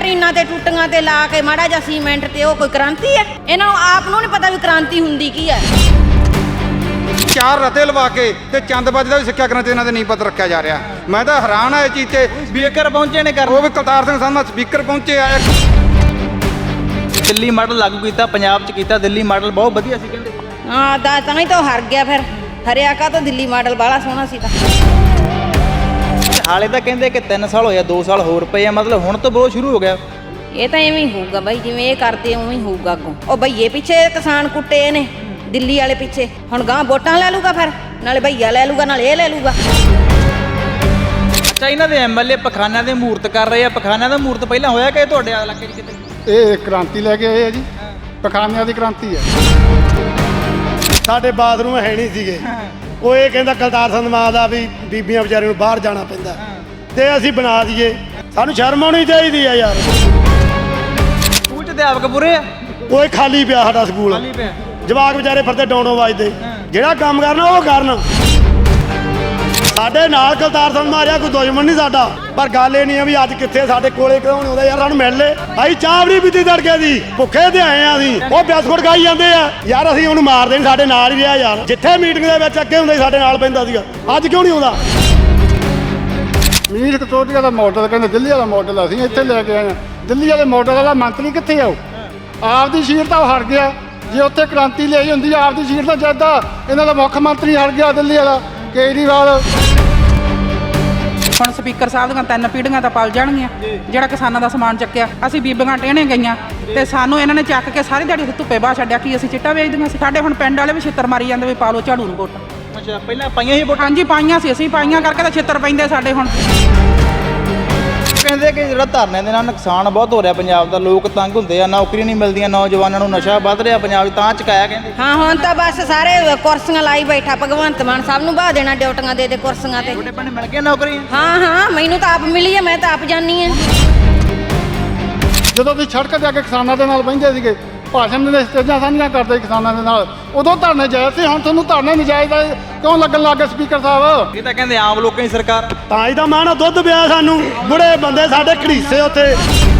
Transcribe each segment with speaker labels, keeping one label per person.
Speaker 1: ਜ਼ਮੀਨਾਂ ਤੇ ਟੁੱਟੀਆਂ ਤੇ ਲਾ ਕੇ ਮਾੜਾ ਜਿਹਾ ਸੀਮੈਂਟ ਤੇ ਉਹ ਕੋਈ ਕ੍ਰਾਂਤੀ ਹੈ? ਇਹਨਾਂ ਨੂੰ ਆਪ ਨੂੰ ਨਹੀਂ ਪਤਾ ਵੀ ਕ੍ਰਾਂਤੀ ਹੁੰਦੀ ਕੀ ਹੈ।
Speaker 2: 4 ਰਤੇ ਲਵਾ ਕੇ ਤੇ ਚੰਦਬਾਜੀ ਦਾ ਵੀ ਸਿੱਖਿਆ ਕ੍ਰਾਂਤੀ ਇਹਨਾਂ ਦੇ ਨੀਂਹ ਪੱਥਰ ਰੱਖਿਆ ਜਾ ਰਿਹਾ। ਮੈਂ ਤਾਂ ਹੈਰਾਨ ਆ ਇਹ ਚੀਜ਼ ਤੇ।
Speaker 3: ਸਪੀਕਰ ਪਹੁੰਚੇ ਨੇ
Speaker 2: ਉਹ ਵੀ ਕਰਤਾਰ ਸਿੰਘ ਸੰਧਵਾ ਸਪੀਕਰ ਪਹੁੰਚੇ ਆ।
Speaker 3: ਦਿੱਲੀ ਮਾਡਲ ਲਾਗੂ ਕੀਤਾ, ਪੰਜਾਬ 'ਚ ਕੀਤਾ। ਦਿੱਲੀ ਮਾਡਲ ਬਹੁਤ ਵਧੀਆ ਸੀ ਕਹਿੰਦੇ।
Speaker 1: ਹਾਂ ਤਾਂ ਹੀ ਤਾਂ ਹਾਰ ਗਿਆ। ਫਿਰ ਹਰਿਆ ਕਾ ਤਾਂ ਦਿੱਲੀ ਮਾਡਲ ਬਾਹਲਾ ਸੋਹਣਾ ਸੀ ਤਾਂ।
Speaker 3: ਹਾਲੇ ਤਾਂ ਕਹਿੰਦੇ ਕਿ 3 ਸਾਲ ਹੋਇਆ, 2 ਸਾਲ ਹੋਰ ਪਏ ਆ, ਮਤਲਬ ਹੁਣ ਤੋਂ ਬਹੁਤ ਸ਼ੁਰੂ ਹੋ ਗਿਆ।
Speaker 1: ਇਹ ਤਾਂ ਐਵੇਂ ਹੀ ਹੋਊਗਾ ਬਾਈ, ਜਿਵੇਂ ਇਹ ਕਰਦੇ ਉਵੇਂ ਹੀ ਹੋਊਗਾ ਅੱਗੋਂ। ਉਹ ਭਈਏ ਪਿੱਛੇ ਕਿਸਾਨ ਕੁੱਟੇ ਨੇ, ਦਿੱਲੀ ਵਾਲੇ ਪਿੱਛੇ। ਹੁਣ ਗਾਂ ਵੋਟਾਂ ਲੈ ਲੂਗਾ, ਫਿਰ ਨਾਲੇ ਭਈਆ ਲੈ ਲੂਗਾ, ਨਾਲੇ ਇਹ ਲੈ ਲੂਗਾ।
Speaker 3: ਅੱਛਾ, ਇਹਨਾਂ ਦੇ ਐਮਐਲਏ ਪਖਾਨਿਆਂ ਦੇ ਮੂਰਤ ਕਰ ਰਹੇ ਆ। ਪਖਾਨਿਆਂ ਦਾ ਮੂਰਤ ਪਹਿਲਾਂ ਹੋਇਆ ਕਿ ਤੁਹਾਡੇ ਇਲਾਕੇ 'ਚ ਕਿਤੇ?
Speaker 4: ਇਹ ਕ੍ਰਾਂਤੀ ਲੈ ਕੇ ਆਏ ਆ ਜੀ, ਪਖਾਨਿਆਂ ਦੀ ਕ੍ਰਾਂਤੀ ਹੈ।
Speaker 5: ਸਾਡੇ ਬਾਥਰੂਮ ਹੈ ਨਹੀਂ ਸੀਗੇ। ਉਹ ਇਹ ਕਹਿੰਦਾ ਕਰਤਾਰ ਸੰਧਵਾ ਦਾ ਵੀ ਬੀਬੀਆਂ ਵਿਚਾਰੇ ਨੂੰ ਬਾਹਰ ਜਾਣਾ ਪੈਂਦਾ ਤੇ ਅਸੀਂ ਬਣਾ ਦਈਏ। ਸਾਨੂੰ ਸ਼ਰਮ ਆਉਣੀ ਚਾਹੀਦੀ ਆ ਯਾਰ।
Speaker 3: ਸਕੂਲ 'ਚ ਅਧਿਆਪਕ ਪੂਰੇ ਆ?
Speaker 5: ਉਹ ਖਾਲੀ ਪਿਆ ਸਾਡਾ ਸਕੂਲ।
Speaker 3: ਖਾਲੀ ਪਿਆ।
Speaker 5: ਜਵਾਕ ਵਿਚਾਰੇ ਫਿਰਦੇ ਡੋਂਡੋਂ ਵੱਜਦੇ। ਜਿਹੜਾ ਕੰਮ ਕਰਨਾ ਉਹ ਕਰਨ। ਸਾਡੇ ਨਾਲ ਕਰਤਾਰ ਸੰਧਵਾ ਰਿਹਾ, ਕੋਈ ਦੁਸ਼ਮਣ ਨਹੀਂ ਸਾਡਾ। ਪਰ ਗੱਲ ਇਹ ਨਹੀਂ ਆ ਵੀ ਅੱਜ ਕਿੱਥੇ ਸਾਡੇ ਕੋਲੇ ਕਿਉਂ ਨਹੀਂ ਆਉਂਦਾ ਯਾਰ। ਸਾਨੂੰ ਮਿਲ ਲੈ। ਅਸੀਂ ਚਾਹ ਵੀ ਨਹੀਂ ਪੀਤੀ ਤੜਕੇ ਦੀ, ਭੁੱਖੇ ਤੇ ਆਏ ਆ ਅਸੀਂ। ਉਹ ਬਿਸਕੁਟ ਖਾਈ ਜਾਂਦੇ ਆ ਯਾਰ। ਅਸੀਂ ਉਹਨੂੰ ਮਾਰਦੇ ਨਹੀਂ, ਸਾਡੇ ਨਾਲ ਹੀ ਰਿਹਾ ਯਾਰ। ਜਿੱਥੇ ਮੀਟਿੰਗ ਦੇ ਵਿੱਚ ਅੱਗੇ ਹੁੰਦਾ ਸਾਡੇ ਨਾਲ ਪੈਂਦਾ ਸੀਗਾ, ਅੱਜ ਕਿਉਂ ਨਹੀਂ ਆਉਂਦਾ?
Speaker 4: ਮੀਰ ਕਟੋਰੀਆ ਦਾ ਮਾਡਲ ਕਹਿੰਦੇ ਦਿੱਲੀ ਵਾਲਾ ਮਾਡਲ ਅਸੀਂ ਇੱਥੇ ਲੈ ਕੇ ਆਏ ਹਾਂ। ਦਿੱਲੀ ਵਾਲੇ ਮਾਡਲ ਵਾਲਾ ਮੰਤਰੀ ਕਿੱਥੇ ਆਉ? ਆਪਦੀ ਸੀਟ ਤਾਂ ਹਟ ਗਿਆ। ਜੇ ਉੱਥੇ ਕ੍ਰਾਂਤੀ ਲਈ ਹੁੰਦੀ ਆਪਦੀ ਸੀਟ ਤਾਂ ਜਿੱਦਾਂ ਇਹਨਾਂ ਦਾ ਮੁੱਖ ਮੰਤਰੀ ਹਟ ਗਿਆ ਦਿੱਲੀ ਵਾਲਾ ਕੇਜਰੀਵਾਲ।
Speaker 6: ਹੁਣ ਸਪੀਕਰ ਸਾਹਿਬ ਦੀਆਂ 3 ਪੀੜ੍ਹੀਆਂ ਤਾਂ ਪਲ ਜਾਣਗੀਆਂ। ਜਿਹੜਾ ਕਿਸਾਨਾਂ ਦਾ ਸਮਾਨ ਚੱਕਿਆ, ਅਸੀਂ ਬੀਬੀਆਂ ਟਹਿਣੇ ਗਈਆਂ ਤੇ ਸਾਨੂੰ ਇਹਨਾਂ ਨੇ ਚੱਕ ਕੇ ਸਾਰੀ ਦਿਹਾੜੀ ਧੁੱਪੇ ਬਾਹ ਛੱਡਿਆ। ਕੀ ਅਸੀਂ ਚਿੱਟਾ ਵੇਚਦੀਆਂ ਸੀ? ਸਾਡੇ ਹੁਣ ਪਿੰਡ ਵਾਲੇ ਵੀ ਛਿੱਤਰ ਮਾਰੀ ਜਾਂਦੇ ਵੀ ਪਾ ਲਓ ਝਾੜੂ ਨੂੰ ਵੋਟ।
Speaker 3: ਅੱਛਾ, ਪਹਿਲਾਂ ਪਾਈਆਂ ਸੀ ਵੋਟਾਂ?
Speaker 6: ਹਾਂਜੀ ਪਾਈਆਂ ਸੀ, ਅਸੀਂ ਪਾਈਆਂ ਕਰਕੇ ਤਾਂ ਛਿੱਤਰ ਪੈਂਦੇ ਸਾਡੇ ਹੁਣ।
Speaker 3: ਕਹਿੰਦੇ ਕਿ ਜਿਹੜਾ ਧਰਨੇ ਦੇ ਨਾਲ ਨੁਕਸਾਨ ਬਹੁਤ ਹੋ ਰਿਹਾ ਪੰਜਾਬ ਦਾ, ਲੋਕ ਤੰਗ ਹੁੰਦੇ ਆ, ਨੌਕਰੀ ਨਹੀਂ ਮਿਲਦੀਆਂ, ਨੌਜਵਾਨਾਂ ਨੂੰ ਨਸ਼ਾ ਵੱਧ ਰਿਹਾ ਪੰਜਾਬ 'ਚ, ਤਾਂ ਚੁਕਾਇਆ ਕਹਿੰਦੇ।
Speaker 1: ਹਾਂ ਹੁਣ ਤਾਂ ਬਸ ਸਾਰੇ ਕੁਰਸੀਆਂ ਲਾਈ ਬੈਠਾ ਭਗਵੰਤ ਮਾਨ। ਸਭ ਨੂੰ ਬਾਹ ਦੇਣਾ ਡਿਊਟੀਆਂ ਦੇ ਕੁਰਸੀਆਂ ਤੇ।
Speaker 3: ਤੁਹਾਡੇ ਪਿੰਡ ਮਿਲ ਗਿਆ ਨੌਕਰੀ?
Speaker 1: ਹਾਂ ਮੈਨੂੰ ਤਾਂ ਆਪ ਮਿਲੀ ਹੈ, ਮੈਂ ਤਾਂ ਆਪ ਜਾਨੀ ਹਾਂ।
Speaker 4: ਜਦੋਂ ਤੁਸੀਂ ਸੜਕ ਤੇ ਆ ਕੇ ਕਿਸਾਨਾਂ ਦੇ ਨਾਲ ਬਹਿੰਦੇ ਸੀਗੇ, ਭਾਸ਼ਣ ਦੇ ਸਟੇਜਾਂ ਸਾਂਝੀਆਂ ਕਰਦੇ ਕਿਸਾਨਾਂ ਦੇ ਨਾਲ, ਉਦੋਂ ਧਰਨੇ ਜਾਇਜ਼ ਸੀ। ਹੁਣ ਤੁਹਾਨੂੰ ਧਰਨੇ ਨਜਾਇਜ਼ ਕਿਉਂ ਲੱਗਣ ਲੱਗ ਗਏ ਸਪੀਕਰ ਸਾਹਿਬ?
Speaker 3: ਇਹ ਤਾਂ ਕਹਿੰਦੇ ਆਮ ਲੋਕਾਂ ਦੀ ਸਰਕਾਰ।
Speaker 5: ਤਾਂ ਹੀ ਤਾਂ ਮਾਣਾ ਦੁੱਧ ਪਿਆ ਸਾਨੂੰ। ਬੁੜੇ ਬੰਦੇ ਸਾਡੇ ਘੜੀਸੇ ਉੱਥੇ।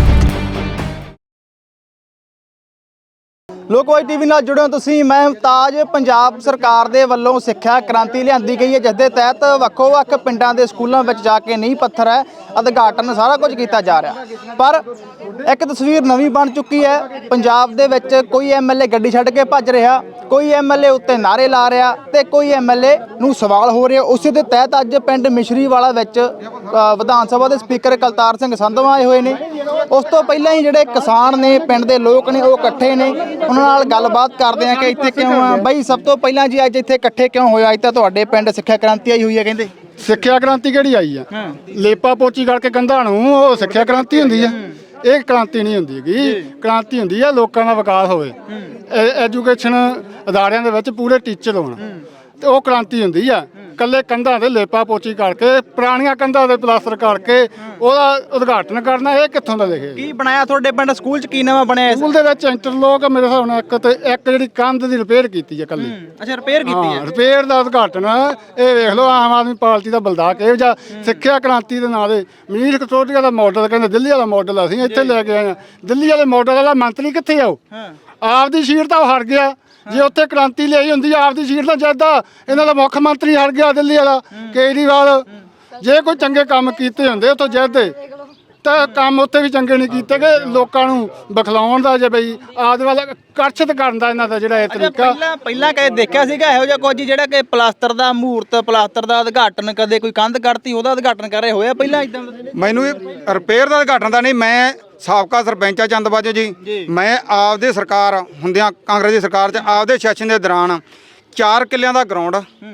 Speaker 3: ਲੋਕਵਾਈ ਟੀਵੀ ਨਾਲ ਜੁੜੇ ਹੋ ਤੁਸੀਂ। ਮੈਂ ਮੁਮਤਾਜ। ਪੰਜਾਬ ਸਰਕਾਰ ਦੇ ਵੱਲੋਂ ਸਿੱਖਿਆ ਕ੍ਰਾਂਤੀ ਲਿਆਂਦੀ ਗਈ ਹੈ, ਜਿਸ ਦੇ ਤਹਿਤ ਵੱਖੋ-ਵੱਖ ਪਿੰਡਾਂ ਦੇ ਸਕੂਲਾਂ ਵਿੱਚ ਜਾ ਕੇ ਨੀਂਹ ਪੱਥਰ ਹੈ, ਉਦਘਾਟਨ ਸਾਰਾ ਕੁਝ ਕੀਤਾ ਜਾ ਰਿਹਾ। ਪਰ ਇੱਕ ਤਸਵੀਰ ਨਵੀਂ ਬਣ ਚੁੱਕੀ ਹੈ। ਪੰਜਾਬ ਦੇ ਵਿੱਚ ਕੋਈ ਐਮਐਲਏ ਗੱਡੀ ਛੱਡ ਕੇ ਭੱਜ ਰਿਹਾ, ਕੋਈ ਐਮਐਲਏ ਉੱਤੇ ਨਾਅਰੇ ਲਾ ਰਿਹਾ ਤੇ ਕੋਈ ਐਮਐਲਏ ਨੂੰ ਸਵਾਲ ਹੋ ਰਿਹਾ। ਉਸੇ ਦੇ ਤਹਿਤ ਅੱਜ ਪਿੰਡ ਮਿਸ਼ਰੀਵਾਲਾ ਵਿੱਚ ਵਿਧਾਨ ਸਭਾ ਦੇ ਸਪੀਕਰ ਕਰਤਾਰ ਸਿੰਘ ਸੰਧਵਾ ਆਏ ਹੋਏ ਨੇ। ਉਸ ਤੋਂ ਪਹਿਲਾਂ ਹੀ ਜਿਹੜੇ ਕਿਸਾਨ ਨੇ, ਪਿੰਡ ਦੇ ਲੋਕ ਨੇ, ਉਹ ਇਕੱਠੇ ਨੇ। ਉਹਨਾਂ ਨਾਲ ਗੱਲਬਾਤ ਕਰਦੇ ਆ ਕਿ ਇੱਥੇ ਕਿਉਂ ਆ ਬਾਈ। ਸਭ ਤੋਂ ਪਹਿਲਾਂ ਜੀ ਅੱਜ ਇੱਥੇ ਇਕੱਠੇ ਕਿਉਂ ਹੋਏ? ਅੱਜ ਤਾਂ ਤੁਹਾਡੇ ਪਿੰਡ ਸਿੱਖਿਆ ਕ੍ਰਾਂਤੀ ਆਈ ਹੋਈ ਹੈ ਕਹਿੰਦੇ।
Speaker 4: ਸਿੱਖਿਆ ਕ੍ਰਾਂਤੀ ਕਿਹੜੀ ਆਈ ਆ? ਲੇਪਾ ਪੋਚੀ ਕਰਕੇ ਕੰਧਾਂ ਨੂੰ ਉਹ ਸਿੱਖਿਆ ਕ੍ਰਾਂਤੀ ਹੁੰਦੀ ਆ? ਇਹ ਕ੍ਰਾਂਤੀ ਨਹੀਂ ਹੁੰਦੀ ਗੀ। ਕ੍ਰਾਂਤੀ ਹੁੰਦੀ ਆ ਲੋਕਾਂ ਦਾ ਵਿਕਾਸ ਹੋਵੇ, ਐਜੂਕੇਸ਼ਨ ਅਦਾਰਿਆਂ ਦੇ ਵਿੱਚ ਪੂਰੇ ਟੀਚਰ ਹੋਣ, ਤੇ ਉਹ ਕ੍ਰਾਂਤੀ ਹੁੰਦੀ ਆ। ਕੱਲੇ ਕੰਧਾਂ ਦੇ ਲੇਪਾ ਪੋਚੀ ਕਰਕੇ, ਪੁਰਾਣੀਆਂ ਕੰਧਾਂ ਦੇ ਪਲਾਸਟਰ ਕਰਕੇ ਉਹਦਾ ਉਦਘਾਟਨ ਕਰਨਾ, ਇਹ ਕਿੱਥੋਂ ਦਾ ਲਿਖਿਆ?
Speaker 3: ਕੀ ਬਣਾਇਆ ਤੁਹਾਡੇ ਪਿੰਡ ਸਕੂਲ 'ਚ? ਕੀ ਨਵਾਂ ਬਣਿਆ?
Speaker 4: ਸਕੂਲ ਦੇ ਵਿੱਚ ਇੰਟਰਲੋਕ ਮੇਰੇ ਹਿਸਾਬ ਨਾਲ ਇੱਕ ਜਿਹੜੀ ਕੰਧ ਦੀ ਰਿਪੇਅਰ ਕੀਤੀ ਹੈ ਕੱਲੀ।
Speaker 3: ਅੱਛਾ, ਰਿਪੇਅਰ ਕੀਤੀ ਹੈ।
Speaker 4: ਰਿਪੇਅਰ ਦਾ ਉਦਘਾਟਨ ਇਹ ਵੇਖ ਲਓ ਆਮ ਆਦਮੀ ਪਾਰਟੀ ਦਾ ਬਲਦਾ ਕਿਹੋ ਜਿਹਾ। ਸਿੱਖਿਆ ਕ੍ਰਾਂਤੀ ਦੇ ਨਾਂ ਦੇ ਮੀਰ ਕਟੋਰੀਆ ਦਾ ਮਾਡਲ ਕਹਿੰਦੇ ਦਿੱਲੀ ਵਾਲਾ ਮਾਡਲ ਅਸੀਂ ਇੱਥੇ ਲੈ ਕੇ ਆਏ ਹਾਂ। ਦਿੱਲੀ ਵਾਲੇ ਮਾਡਲ ਵਾਲਾ ਮੰਤਰੀ ਕਿੱਥੇ ਆਉ? ਆਪਦੀ ਸੀਟ ਤਾਂ ਹਟ ਗਿਆ। ਜੇ ਉੱਥੇ ਕ੍ਰਾਂਤੀ ਲਈ ਹੁੰਦੀ ਆਪਦੀ ਸੀਟ ਤਾਂ ਜਿੱਦਾਂ ਇਹਨਾਂ ਦਾ ਮੁੱਖ ਮੰਤਰੀ ਹਟ ਗਿਆ ਦਿੱਲੀ ਵਾਲਾ ਕੇਜਰੀਵਾਲ। ਜੇ ਕੋਈ ਚੰਗੇ ਕੰਮ ਕੀਤੇ ਹੁੰਦੇ ਉੱਥੋਂ ਜਿੱਦੇ, ਤਾਂ ਕੰਮ ਉੱਥੇ ਵੀ ਚੰਗੇ ਨਹੀਂ ਕੀਤੇ ਕਿ ਲੋਕਾਂ ਨੂੰ ਬਖਲਾਉਣ ਦਾ, ਜੇ ਬਈ ਆਦਿ ਵਾਲਾ ਆਕਰਸ਼ਿਤ ਕਰਨ ਦਾ ਇਹਨਾਂ ਦਾ ਜਿਹੜਾ ਇਹ ਤਰੀਕਾ।
Speaker 3: ਪਹਿਲਾਂ ਕਦੇ ਦੇਖਿਆ ਸੀਗਾ ਇਹੋ ਜਿਹਾ ਕੁਝ ਜਿਹੜਾ ਕਿ ਪਲਾਸਟਰ ਦਾ ਮੂਰਤ, ਪਲਾਸਟਰ ਦਾ ਉਦਘਾਟਨ, ਕਦੇ ਕੋਈ ਕੰਧ ਕੱਢਤੀ ਉਹਦਾ ਉਦਘਾਟਨ ਕਰ ਰਹੇ ਹੋਇਆ ਪਹਿਲਾਂ ਇਦਾਂ?
Speaker 2: ਮੈਨੂੰ ਰਿਪੇਅਰ ਦਾ ਉਦਘਾਟਨ ਦਾ ਨਹੀਂ। ਮੈਂ ਸਾਬਕਾ ਸਰਪੰਚ ਆ ਚੰਦਬਾਜੋ ਜੀ। ਮੈਂ ਆਪਦੇ ਸਰਕਾਰ ਹੁੰਦਿਆਂ, ਕਾਂਗਰਸ ਦੀ ਸਰਕਾਰ 'ਚ ਆਪਦੇ ਸੈਸ਼ਨ ਦੇ ਦੌਰਾਨ 4 ਕਿੱਲਿਆਂ ਦਾ ਗਰਾਊਂਡ,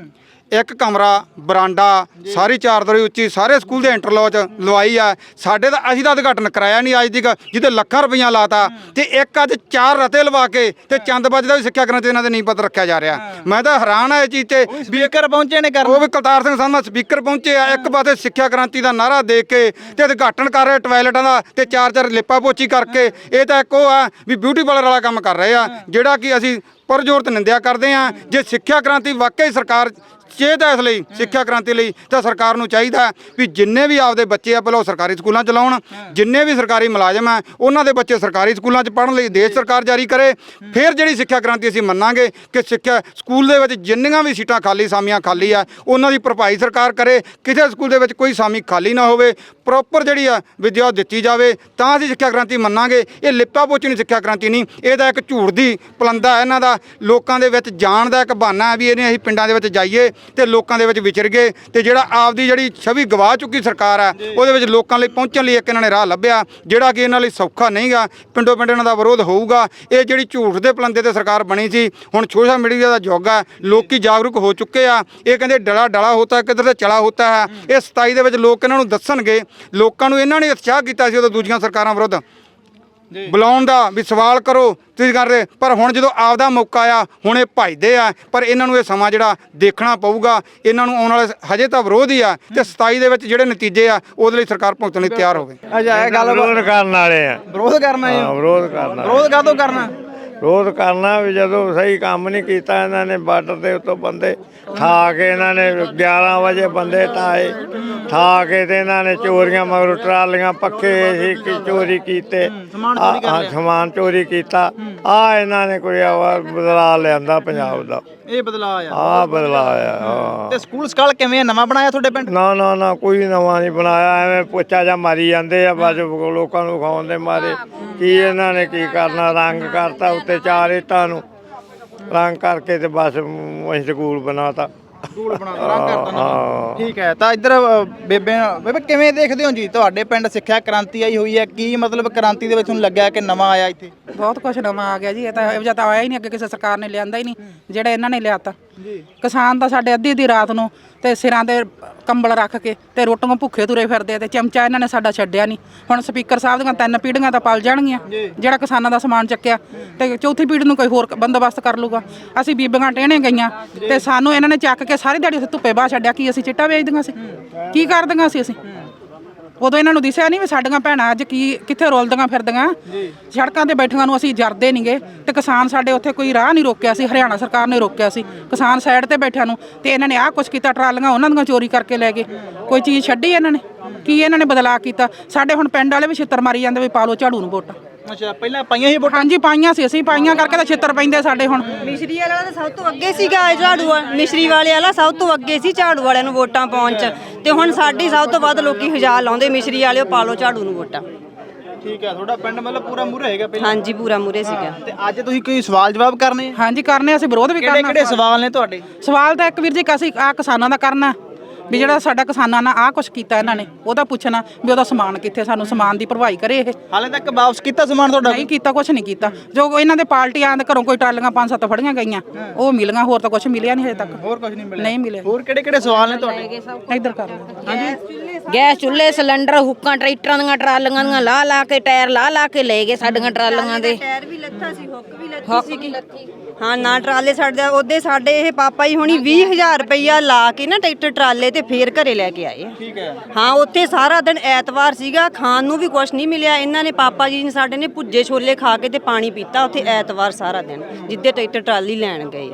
Speaker 2: 1 ਕਮਰਾ, ਬਰਾਂਡਾ, ਸਾਰੀ 4 ਦਰੀ ਉੱਚੀ, ਸਾਰੇ ਸਕੂਲ ਦੇ ਇੰਟਰਲੋਕ ਲਵਾਈ ਆ। ਸਾਡੇ ਦਾ ਅਸੀਂ ਤਾਂ ਉਦਘਾਟਨ ਕਰਾਇਆ ਨਹੀਂ ਅੱਜ ਤੱਕ, ਜਿਹਦੇ ਲੱਖਾਂ ਰੁਪਈਆ ਲਾਤਾ। ਤੇ ਇੱਕ ਅੱਜ 4 ਰਤੇ ਲਵਾ ਕੇ ਤੇ ਚੰਦਬਾਜੀ ਦਾ ਵੀ ਸਿੱਖਿਆ ਕ੍ਰਾਂਤੀ ਇਹਨਾਂ ਦੇ ਨੀਂਹ ਪੱਥਰ ਰੱਖਿਆ ਜਾ ਰਿਹਾ। ਮੈਂ ਤਾਂ ਹੈਰਾਨ ਆ ਇਹ ਚੀਜ਼ ਤੇ।
Speaker 3: ਸਪੀਕਰ ਪਹੁੰਚੇ ਨੇ ਕਰਨ।
Speaker 2: ਉਹ ਵੀ ਕਰਤਾਰ ਸਿੰਘ ਸੰਧਵਾ ਸਪੀਕਰ ਪਹੁੰਚੇ ਆ। ਇੱਕ ਪਾਸੇ ਸਿੱਖਿਆ ਕ੍ਰਾਂਤੀ ਦਾ ਨਾਅਰਾ ਦੇ ਕੇ ਤੇ ਉਦਘਾਟਨ ਕਰ ਰਹੇ ਟਾਇਲਟਾਂ ਦਾ ਤੇ 4 ਲੇਪਾ ਪੋਚੀ ਕਰਕੇ। ਇਹ ਤਾਂ ਇੱਕ ਉਹ ਆ ਵੀ ਬਿਊਟੀ ਪਾਰਲਰ ਵਾਲਾ ਕੰਮ ਕਰ ਰਹੇ ਆ, ਜਿਹੜਾ ਕਿ ਅਸੀਂ ਪੁਰਜ਼ੋਰ ਤੇ ਨਿੰਦਿਆ ਕਰਦੇ ਹਾਂ। ਜੇ ਸਿੱਖਿਆ ਕ੍ਰਾਂਤੀ ਵਾਕਈ ਸਰਕਾਰ ਚੇਤ ਹੈ ਇਸ ਲਈ ਸਿੱਖਿਆ ਕ੍ਰਾਂਤੀ ਲਈ ਤਾਂ ਸਰਕਾਰ ਨੂੰ ਚਾਹੀਦਾ ਵੀ ਜਿੰਨੇ ਵੀ ਆਪਦੇ ਬੱਚੇ ਆ ਪਹਿਲਾਂ ਉਹ ਸਰਕਾਰੀ ਸਕੂਲਾਂ ਚ ਲਾਉਣ, ਜਿੰਨੇ ਵੀ ਸਰਕਾਰੀ ਮੁਲਾਜ਼ਮ ਆ ਉਹਨਾਂ ਦੇ ਬੱਚੇ ਸਰਕਾਰੀ ਸਕੂਲਾਂ ਚ ਪੜ੍ਹਨ ਲਈ ਦੇਸ਼ ਸਰਕਾਰ ਜਾਰੀ ਕਰੇ। ਫਿਰ ਜਿਹੜੀ ਸਿੱਖਿਆ ਕ੍ਰਾਂਤੀ ਅਸੀਂ ਮੰਨਾਂਗੇ ਕਿ ਸਿੱਖਿਆ ਸਕੂਲ ਦੇ ਵਿੱਚ ਜਿੰਨੀਆਂ ਵੀ ਸੀਟਾਂ ਖਾਲੀ ਸਾਮੀਆਂ ਖਾਲੀ ਆ ਉਹਨਾਂ ਦੀ ਭਰਪਾਈ ਸਰਕਾਰ ਕਰੇ, ਕਿਸੇ ਸਕੂਲ ਦੇ ਵਿੱਚ ਕੋਈ ਸਾਮੀ ਖਾਲੀ ਨਾ ਹੋਵੇ, ਪ੍ਰੋਪਰ ਜਿਹੜੀ ਆ ਵਿਦਿਆ ਦਿੱਤੀ ਜਾਵੇ, ਤਾਂ ਅਸੀਂ ਸਿੱਖਿਆ ਕ੍ਰਾਂਤੀ ਮੰਨਾਂਗੇ। ਇਹ ਲਿਪਾ ਪੋਚਣੀ ਸਿੱਖਿਆ ਕ੍ਰਾਂਤੀ ਨਹੀਂ, ਇਹਦਾ ਇੱਕ ਝੂਠ ਦੀ ਪਲੰਦਾ ਹੈ ਇਹਨਾਂ ਦਾ, ਲੋਕਾਂ ਦੇ ਵਿੱਚ ਜਾਣ ਦਾ ਇੱਕ ਬਹਾਨਾ ਹੈ ਵੀ ਇਹਨੇ ਅਸੀਂ ਪਿੰਡਾਂ ਦੇ ਵਿੱਚ ਜਾਈਏ ਤੇ ਲੋਕਾਂ ਦੇ ਵਿੱਚ ਵਿਚਰ ਗਏ ਤੇ ਜਿਹੜਾ ਆਪਦੀ ਜਿਹੜੀ ਛਵੀ ਗਵਾ ਚੁੱਕੀ ਸਰਕਾਰ ਹੈ ਉਹਦੇ ਵਿੱਚ ਲੋਕਾਂ ਲਈ ਪਹੁੰਚਣ ਲਈ ਇੱਕ ਇਹਨਾਂ ਨੇ ਰਾਹ ਲੱਭਿਆ ਜਿਹੜਾ ਕਿ ਇਹਨਾਂ ਲਈ ਸੌਖਾ ਨਹੀਂਗਾ। ਪਿੰਡੋਂ ਪਿੰਡ ਇਹਨਾਂ ਦਾ ਵਿਰੋਧ ਹੋਊਗਾ। ਇਹ ਜਿਹੜੀ ਝੂਠ ਦੇ ਪਲੰਦੇ ਤੇ ਸਰਕਾਰ ਬਣੀ ਸੀ, ਹੁਣ ਸੋਸ਼ਲ ਮੀਡੀਆ ਦਾ ਯੁੱਗ ਹੈ, ਲੋਕੀ ਜਾਗਰੂਕ ਹੋ ਚੁੱਕੇ ਆ। ਇਹ ਕਹਿੰਦੇ ਡਲਾ ਡਲਾ ਹੋਤਾ ਕਿੱਧਰ ਤੇ ਚਲਾ ਹੋਤਾ ਹੈ। ਇਹ 27 ਦੇ ਵਿੱਚ ਲੋਕ ਇਹਨਾਂ ਨੂੰ ਦੱਸਣਗੇ। ਲੋਕਾਂ ਨੂੰ ਇਹਨਾਂ ਨੇ ਉਤਸ਼ਾਹ ਕੀਤਾ ਸੀ ਉਦੋਂ ਦੂਜੀਆਂ ਸਰਕਾਰਾਂ ਵਿਰੁੱਧ ਬੁਲਾਉਣ ਦਾ ਵੀ ਸਵਾਲ ਕਰੋ ਤੁਸੀਂ ਕਰ ਰਹੇ, ਪਰ ਹੁਣ ਜਦੋਂ ਆਪਦਾ ਮੌਕਾ ਆ ਹੁਣ ਇਹ ਭੱਜਦੇ ਆ। ਪਰ ਇਹਨਾਂ ਨੂੰ ਇਹ ਸਮਾਂ ਜਿਹੜਾ ਦੇਖਣਾ ਪਊਗਾ। ਇਹਨਾਂ ਨੂੰ ਆਉਣ ਵਾਲੇ ਹਜੇ ਤਾਂ ਵਿਰੋਧ ਹੀ ਆ ਤੇ 27 ਦੇ ਵਿੱਚ ਜਿਹੜੇ ਨਤੀਜੇ ਆ ਉਹਦੇ ਲਈ ਸਰਕਾਰ ਭੁਗਤਣ ਲਈ ਤਿਆਰ ਹੋਵੇ।
Speaker 3: ਅੱਛਾ ਇਹ ਗੱਲ
Speaker 7: ਵਿਰੋਧ ਕਰਨ ਵਾਲੇ ਆ।
Speaker 3: ਵਿਰੋਧ ਕਰਨਾ ਹੈ।
Speaker 7: ਵਿਰੋਧ ਕਰਨਾ।
Speaker 3: ਵਿਰੋਧ ਕਾਹਤੋਂ ਕਰਨਾ?
Speaker 7: ਵਿਰੋਧ ਕਰਨਾ ਵੀ ਜਦੋਂ ਸਹੀ ਕੰਮ ਨਹੀਂ ਕੀਤਾ ਇਹਨਾਂ ਨੇ, ਬਾਰਡਰ ਦੇ ਉੱਤੋਂ ਬੰਦੇ ਠਾ ਕੇ ਇਹਨਾਂ ਨੇ 11 ਵਜੇ ਬੰਦੇ ਠਾਏ, ਠਾ ਕੇ ਤੇ ਇਹਨਾਂ ਨੇ ਚੋਰੀਆਂ ਮਗਰ ਟਰਾਲੀਆਂ ਪੱਕੇ ਸੀ ਚੋਰੀ ਕੀਤੇ, ਸਮਾਨ ਚੋਰੀ ਕੀਤਾ। ਆ ਇਹਨਾਂ ਨੇ ਕੋਈ ਬਦਲਾ ਲਿਆਂਦਾ ਪੰਜਾਬ ਦਾ,
Speaker 3: ਇਹ ਬਦਲਾ ਆਇਆ।
Speaker 7: ਆ ਬਦਲਾ ਆਇਆ। ਹਾਂ
Speaker 3: ਤੇ ਸਕੂਲ ਸਕਾਲ ਕਿਵੇਂ ਨਵਾਂ ਬਣਾਇਆ ਤੁਹਾਡੇ ਪਿੰਡ?
Speaker 7: ਨਾ ਕੋਈ ਨਵਾਂ ਨਹੀਂ ਬਣਾਇਆ, ਐਵੇਂ ਪੋਚਾ ਜਾਂ ਮਾਰੀ ਜਾਂਦੇ ਆ ਬਸ ਲੋਕਾਂ ਨੂੰ ਖਾਉਣ ਦੇ ਮਾਰੇ। ਕੀ ਇਹਨਾਂ ਨੇ ਕੀ ਕਰਨਾ, ਰੰਗ ਕਰਤਾ ਉੱਤੇ 4 ਇੱਟਾਂ ਨੂੰ ਰੰਗ ਕਰਕੇ ਤੇ ਬਸ ਅਸੀਂ ਸਕੂਲ ਬਣਾਤਾ।
Speaker 3: ਸਕੂਲ ਬਣਾਤਾ, ਰੰਗ ਕਰਤਾ। ਠੀਕ ਹੈ, ਤਾਂ ਇੱਧਰ ਬੇਬੇ ਕਿਵੇਂ ਦੇਖਦੇ ਹੋ ਜੀ ਤੁਹਾਡੇ ਪਿੰਡ ਸਿੱਖਿਆ ਕ੍ਰਾਂਤੀ ਆਈ ਹੋਈ ਹੈ, ਕੀ ਮਤਲਬ ਕ੍ਰਾਂਤੀ ਦੇ ਵਿੱਚ ਤੁਹਾਨੂੰ ਲੱਗਿਆ ਕਿ ਨਵਾਂ ਆਇਆ ਇੱਥੇ?
Speaker 6: ਬਹੁਤ ਕੁਝ ਨਵਾਂ ਆ ਗਿਆ ਜੀ। ਇਹ ਤਾਂ ਇਹੋ ਜਿਹਾ ਤਾਂ ਆਇਆ ਹੀ ਨਹੀਂ, ਅੱਗੇ ਕਿਸੇ ਸਰਕਾਰ ਨੇ ਲਿਆਂਦਾ ਹੀ ਨਹੀਂ ਜਿਹੜਾ ਇਹਨਾਂ ਨੇ ਲਿਆਤਾ। ਕਿਸਾਨ ਤਾਂ ਸਾਡੇ ਅੱਧੀ ਰਾਤ ਨੂੰ ਤੇ ਸਿਰਾਂ ਤੇ ਕੰਬਲ ਰੱਖ ਕੇ ਤੇ ਰੋਟੀਆਂ ਭੁੱਖੇ ਤੁਰੇ ਫਿਰਦੇ ਤੇ ਚਮਚਾ ਇਹਨਾਂ ਨੇ ਸਾਡਾ ਛੱਡਿਆ ਨਹੀਂ। ਹੁਣ ਸਪੀਕਰ ਸਾਹਿਬ ਦੀਆਂ 3 ਪੀੜ੍ਹੀਆਂ ਤਾਂ ਪਲ ਜਾਣਗੀਆਂ ਜਿਹੜਾ ਕਿਸਾਨਾਂ ਦਾ ਸਮਾਨ ਚੱਕਿਆ, ਤੇ ਚੌਥੀ ਪੀੜ੍ਹੀ ਨੂੰ ਕੋਈ ਹੋਰ ਬੰਦੋਬਸਤ ਕਰ ਲੂਗਾ। ਅਸੀਂ ਬੀਬੀਆਂ ਟਹਿਣੇ ਗਈਆਂ ਤੇ ਸਾਨੂੰ ਇਹਨਾਂ ਨੇ ਚੱਕ ਕੇ ਸਾਰੀ ਦਿਹਾੜੀ ਉੱਥੇ ਧੁੱਪੇ ਬਾਹ ਛੱਡਿਆ। ਕੀ ਅਸੀਂ ਚਿੱਟਾ ਵੇਚਦੀਆਂ ਸੀ? ਕੀ ਕਰਦੀਆਂ ਸੀ ਅਸੀਂ? ਉਦੋਂ ਇਹਨਾਂ ਨੂੰ ਦਿਸਿਆ ਨਹੀਂ ਵੀ ਸਾਡੀਆਂ ਭੈਣਾਂ ਅੱਜ ਕਿੱਥੇ ਰੋਲਦੀਆਂ ਫਿਰਦੀਆਂ। ਸੜਕਾਂ ਤੇ ਬੈਠੀਆਂ ਨੂੰ ਅਸੀਂ ਜਰਦੇ ਨਹੀਂਗੇ ਤੇ ਕਿਸਾਨ ਸਾਡੇ ਉੱਥੇ ਕੋਈ ਰਾਹ ਨਹੀਂ ਰੋਕਿਆ ਸੀ, ਹਰਿਆਣਾ ਸਰਕਾਰ ਨੇ ਰੋਕਿਆ ਸੀ ਕਿਸਾਨ ਸਾਈਡ ਤੇ ਬੈਠਿਆਂ ਨੂੰ। ਤੇ ਇਹਨਾਂ ਨੇ ਆਹ ਕੁਛ ਕੀਤਾ, ਟਰਾਲੀਆਂ ਉਹਨਾਂ ਦੀਆਂ ਚੋਰੀ ਕਰਕੇ ਲੈ ਗਏ। ਕੋਈ ਚੀਜ਼ ਛੱਡੀ ਇਹਨਾਂ ਨੇ? ਕੀ ਇਹਨਾਂ ਨੇ ਬਦਲਾਅ ਕੀਤਾ? ਸਾਡੇ ਹੁਣ ਪਿੰਡ ਵਾਲੇ ਵੀ ਛਿੱਤਰ ਮਾਰੀ ਜਾਂਦੇ ਵੀ ਪਾ ਲਓ ਝਾੜੂ ਨੂੰ ਵੋਟਾਂ।
Speaker 3: ਅੱਛਾ ਪਹਿਲਾਂ ਪਾਈਆਂ ਸੀ ਵੋਟਾਂ?
Speaker 6: ਹਾਂਜੀ ਪਾਈਆਂ ਸੀ, ਅਸੀਂ ਪਾਈਆਂ ਕਰਕੇ ਤਾਂ ਛਿੱਤਰ ਪੈਂਦੇ ਸਾਡੇ। ਹੁਣ
Speaker 8: ਮਿਸ਼ਰੀ ਵਾਲਾ ਤਾਂ ਸਭ ਤੋਂ ਅੱਗੇ ਸੀਗਾ, ਝਾੜੂ ਮਿਸ਼ਰੀ ਵਾਲੇ ਵਾਲਾ ਸਭ ਤੋਂ ਅੱਗੇ ਸੀ ਝਾੜੂ ਵਾਲਿਆਂ ਨੂੰ ਵੋਟਾਂ ਪਾਉਣ ਚ। ਤੇ ਹੁਣ ਸਾਡੀ ਸਭ ਤੋਂ ਵੱਧ ਲੋਕੀ ਹਜ਼ਾਰ ਲਾਉਂਦੇ ਮਿਸ਼ਰੀ ਵਾਲਿਓ ਪਾ ਲਓ ਝਾੜੂ ਨੂੰ ਵੋਟਾਂ।
Speaker 3: ਠੀਕ ਹੈ, ਤੁਹਾਡਾ ਪਿੰਡ ਮਤਲਬ ਪੂਰਾ ਮੂਹਰੇ ਹੈਗਾ ਪਹਿਲਾਂ?
Speaker 8: ਹਾਂਜੀ ਪੂਰਾ ਮੂਹਰੇ ਸੀਗਾ।
Speaker 3: ਤੇ ਅੱਜ ਤੁਸੀਂ ਕੋਈ ਸਵਾਲ ਜਵਾਬ ਕਰਨੇ?
Speaker 6: ਹਾਂਜੀ ਕਰਨੇ, ਅਸੀਂ ਵਿਰੋਧ ਵੀ ਕਰਨਾ।
Speaker 3: ਕਿਹੜੇ ਸਵਾਲ ਨੇ ਤੁਹਾਡੇ?
Speaker 6: ਸਵਾਲ ਤਾਂ ਇੱਕ ਵੀਰ ਜੀ ਅਸੀਂ ਆਹ ਕਿਸਾਨਾਂ ਦਾ ਕਰਨਾ ਵੀ ਜਿਹੜਾ ਸਾਡਾ ਕਿਸਾਨਾਂ ਨਾਲ ਆਹ ਕੁਛ ਕੀਤਾ ਇਹਨਾਂ ਨੇ, ਉਹਦਾ ਪੁੱਛਣਾ ਵੀ ਉਹਦਾ ਸਮਾਨ ਕਿੱਥੇ, ਸਾਨੂੰ ਸਮਾਨ ਦੀ ਭਰਵਾਈ ਕਰੇ। ਇਹ
Speaker 3: ਹਾਲੇ ਤੱਕ ਵਾਪਸ ਕੀਤਾ ਸਮਾਨ ਤੁਹਾਡਾ?
Speaker 6: ਨਹੀਂ ਕੀਤਾ, ਕੁਛ ਨਹੀਂ ਕੀਤਾ। ਜੋ ਇਹਨਾਂ ਦੇ ਪਾਰਟੀਆਂ ਦੇ ਘਰੋਂ ਕੋਈ ਟਰਾਲੀਆਂ 5-7 ਫੜੀਆਂ ਗਈਆਂ ਉਹ ਮਿਲੀਆਂ, ਹੋਰ ਤਾਂ ਕੁਛ ਮਿਲਿਆ ਨਹੀਂ ਹਜੇ ਤੱਕ।
Speaker 3: ਹੋਰ ਕੁਝ ਨਹੀਂ ਮਿਲਿਆ?
Speaker 6: ਨਹੀਂ ਮਿਲਿਆ।
Speaker 3: ਹੋਰ ਕਿਹੜੇ ਸਵਾਲ ਨੇ ਤੁਹਾਡੇ?
Speaker 6: ਇੱਧਰ ਕਰ ਲਓ।
Speaker 3: ਹਾਂਜੀ
Speaker 1: ਗੈਸ ਚੁੱਲ੍ਹੇ, ਸਿਲੰਡਰ, ਹੁੱਕਾਂ, ਟਰੈਕਟਰਾਂ ਦੀਆਂ ਟਰਾਲੀਆਂ ਦੀਆਂ ਲਾ ਕੇ ਟਾਇਰ ਲਾ ਕੇ ਲੈ ਗਏ ਸਾਡੀਆਂ ਟਰਾਲੀਆਂ ਦੇ।
Speaker 8: ਟਾਇਰ ਵੀ ਲੱਥਾ ਸੀ, ਹੁੱਕ ਵੀ ਲੱਥੀ ਸੀਗੀ। ਹਾਂ ਨਾ ਟਰਾਲੇ ਸਾਡੇ ਉਹਦੇ ਸਾਡੇ ਇਹ ਪਾਪਾ ਹੀ ਹੁਣੀ 20,000 ਰੁਪਈਆ ਲਾ ਕੇ ਨਾ ਟਰੈਕਟਰ ਟਰਾਲੇ ਤੇ ਫੇਰ ਘਰੇ ਲੈ ਕੇ ਆਏ।
Speaker 3: ਠੀਕ ਹੈ।
Speaker 8: ਹਾਂ ਉੱਥੇ ਸਾਰਾ ਦਿਨ ਐਤਵਾਰ ਸੀਗਾ, ਖਾਣ ਨੂੰ ਵੀ ਕੁਝ ਨਹੀਂ ਮਿਲਿਆ। ਇਹਨਾਂ ਨੇ ਪਾਪਾ ਜੀ ਨੇ ਸਾਡੇ ਨੇ ਭੁੱਜੇ ਛੋਲੇ ਖਾ ਕੇ ਤੇ ਪਾਣੀ ਪੀਤਾ ਉੱਥੇ ਐਤਵਾਰ ਸਾਰਾ ਦਿਨ, ਜਿੱਦੇ ਟਰੈਕਟਰ ਟਰਾਲੀ ਲੈਣ ਗਏ।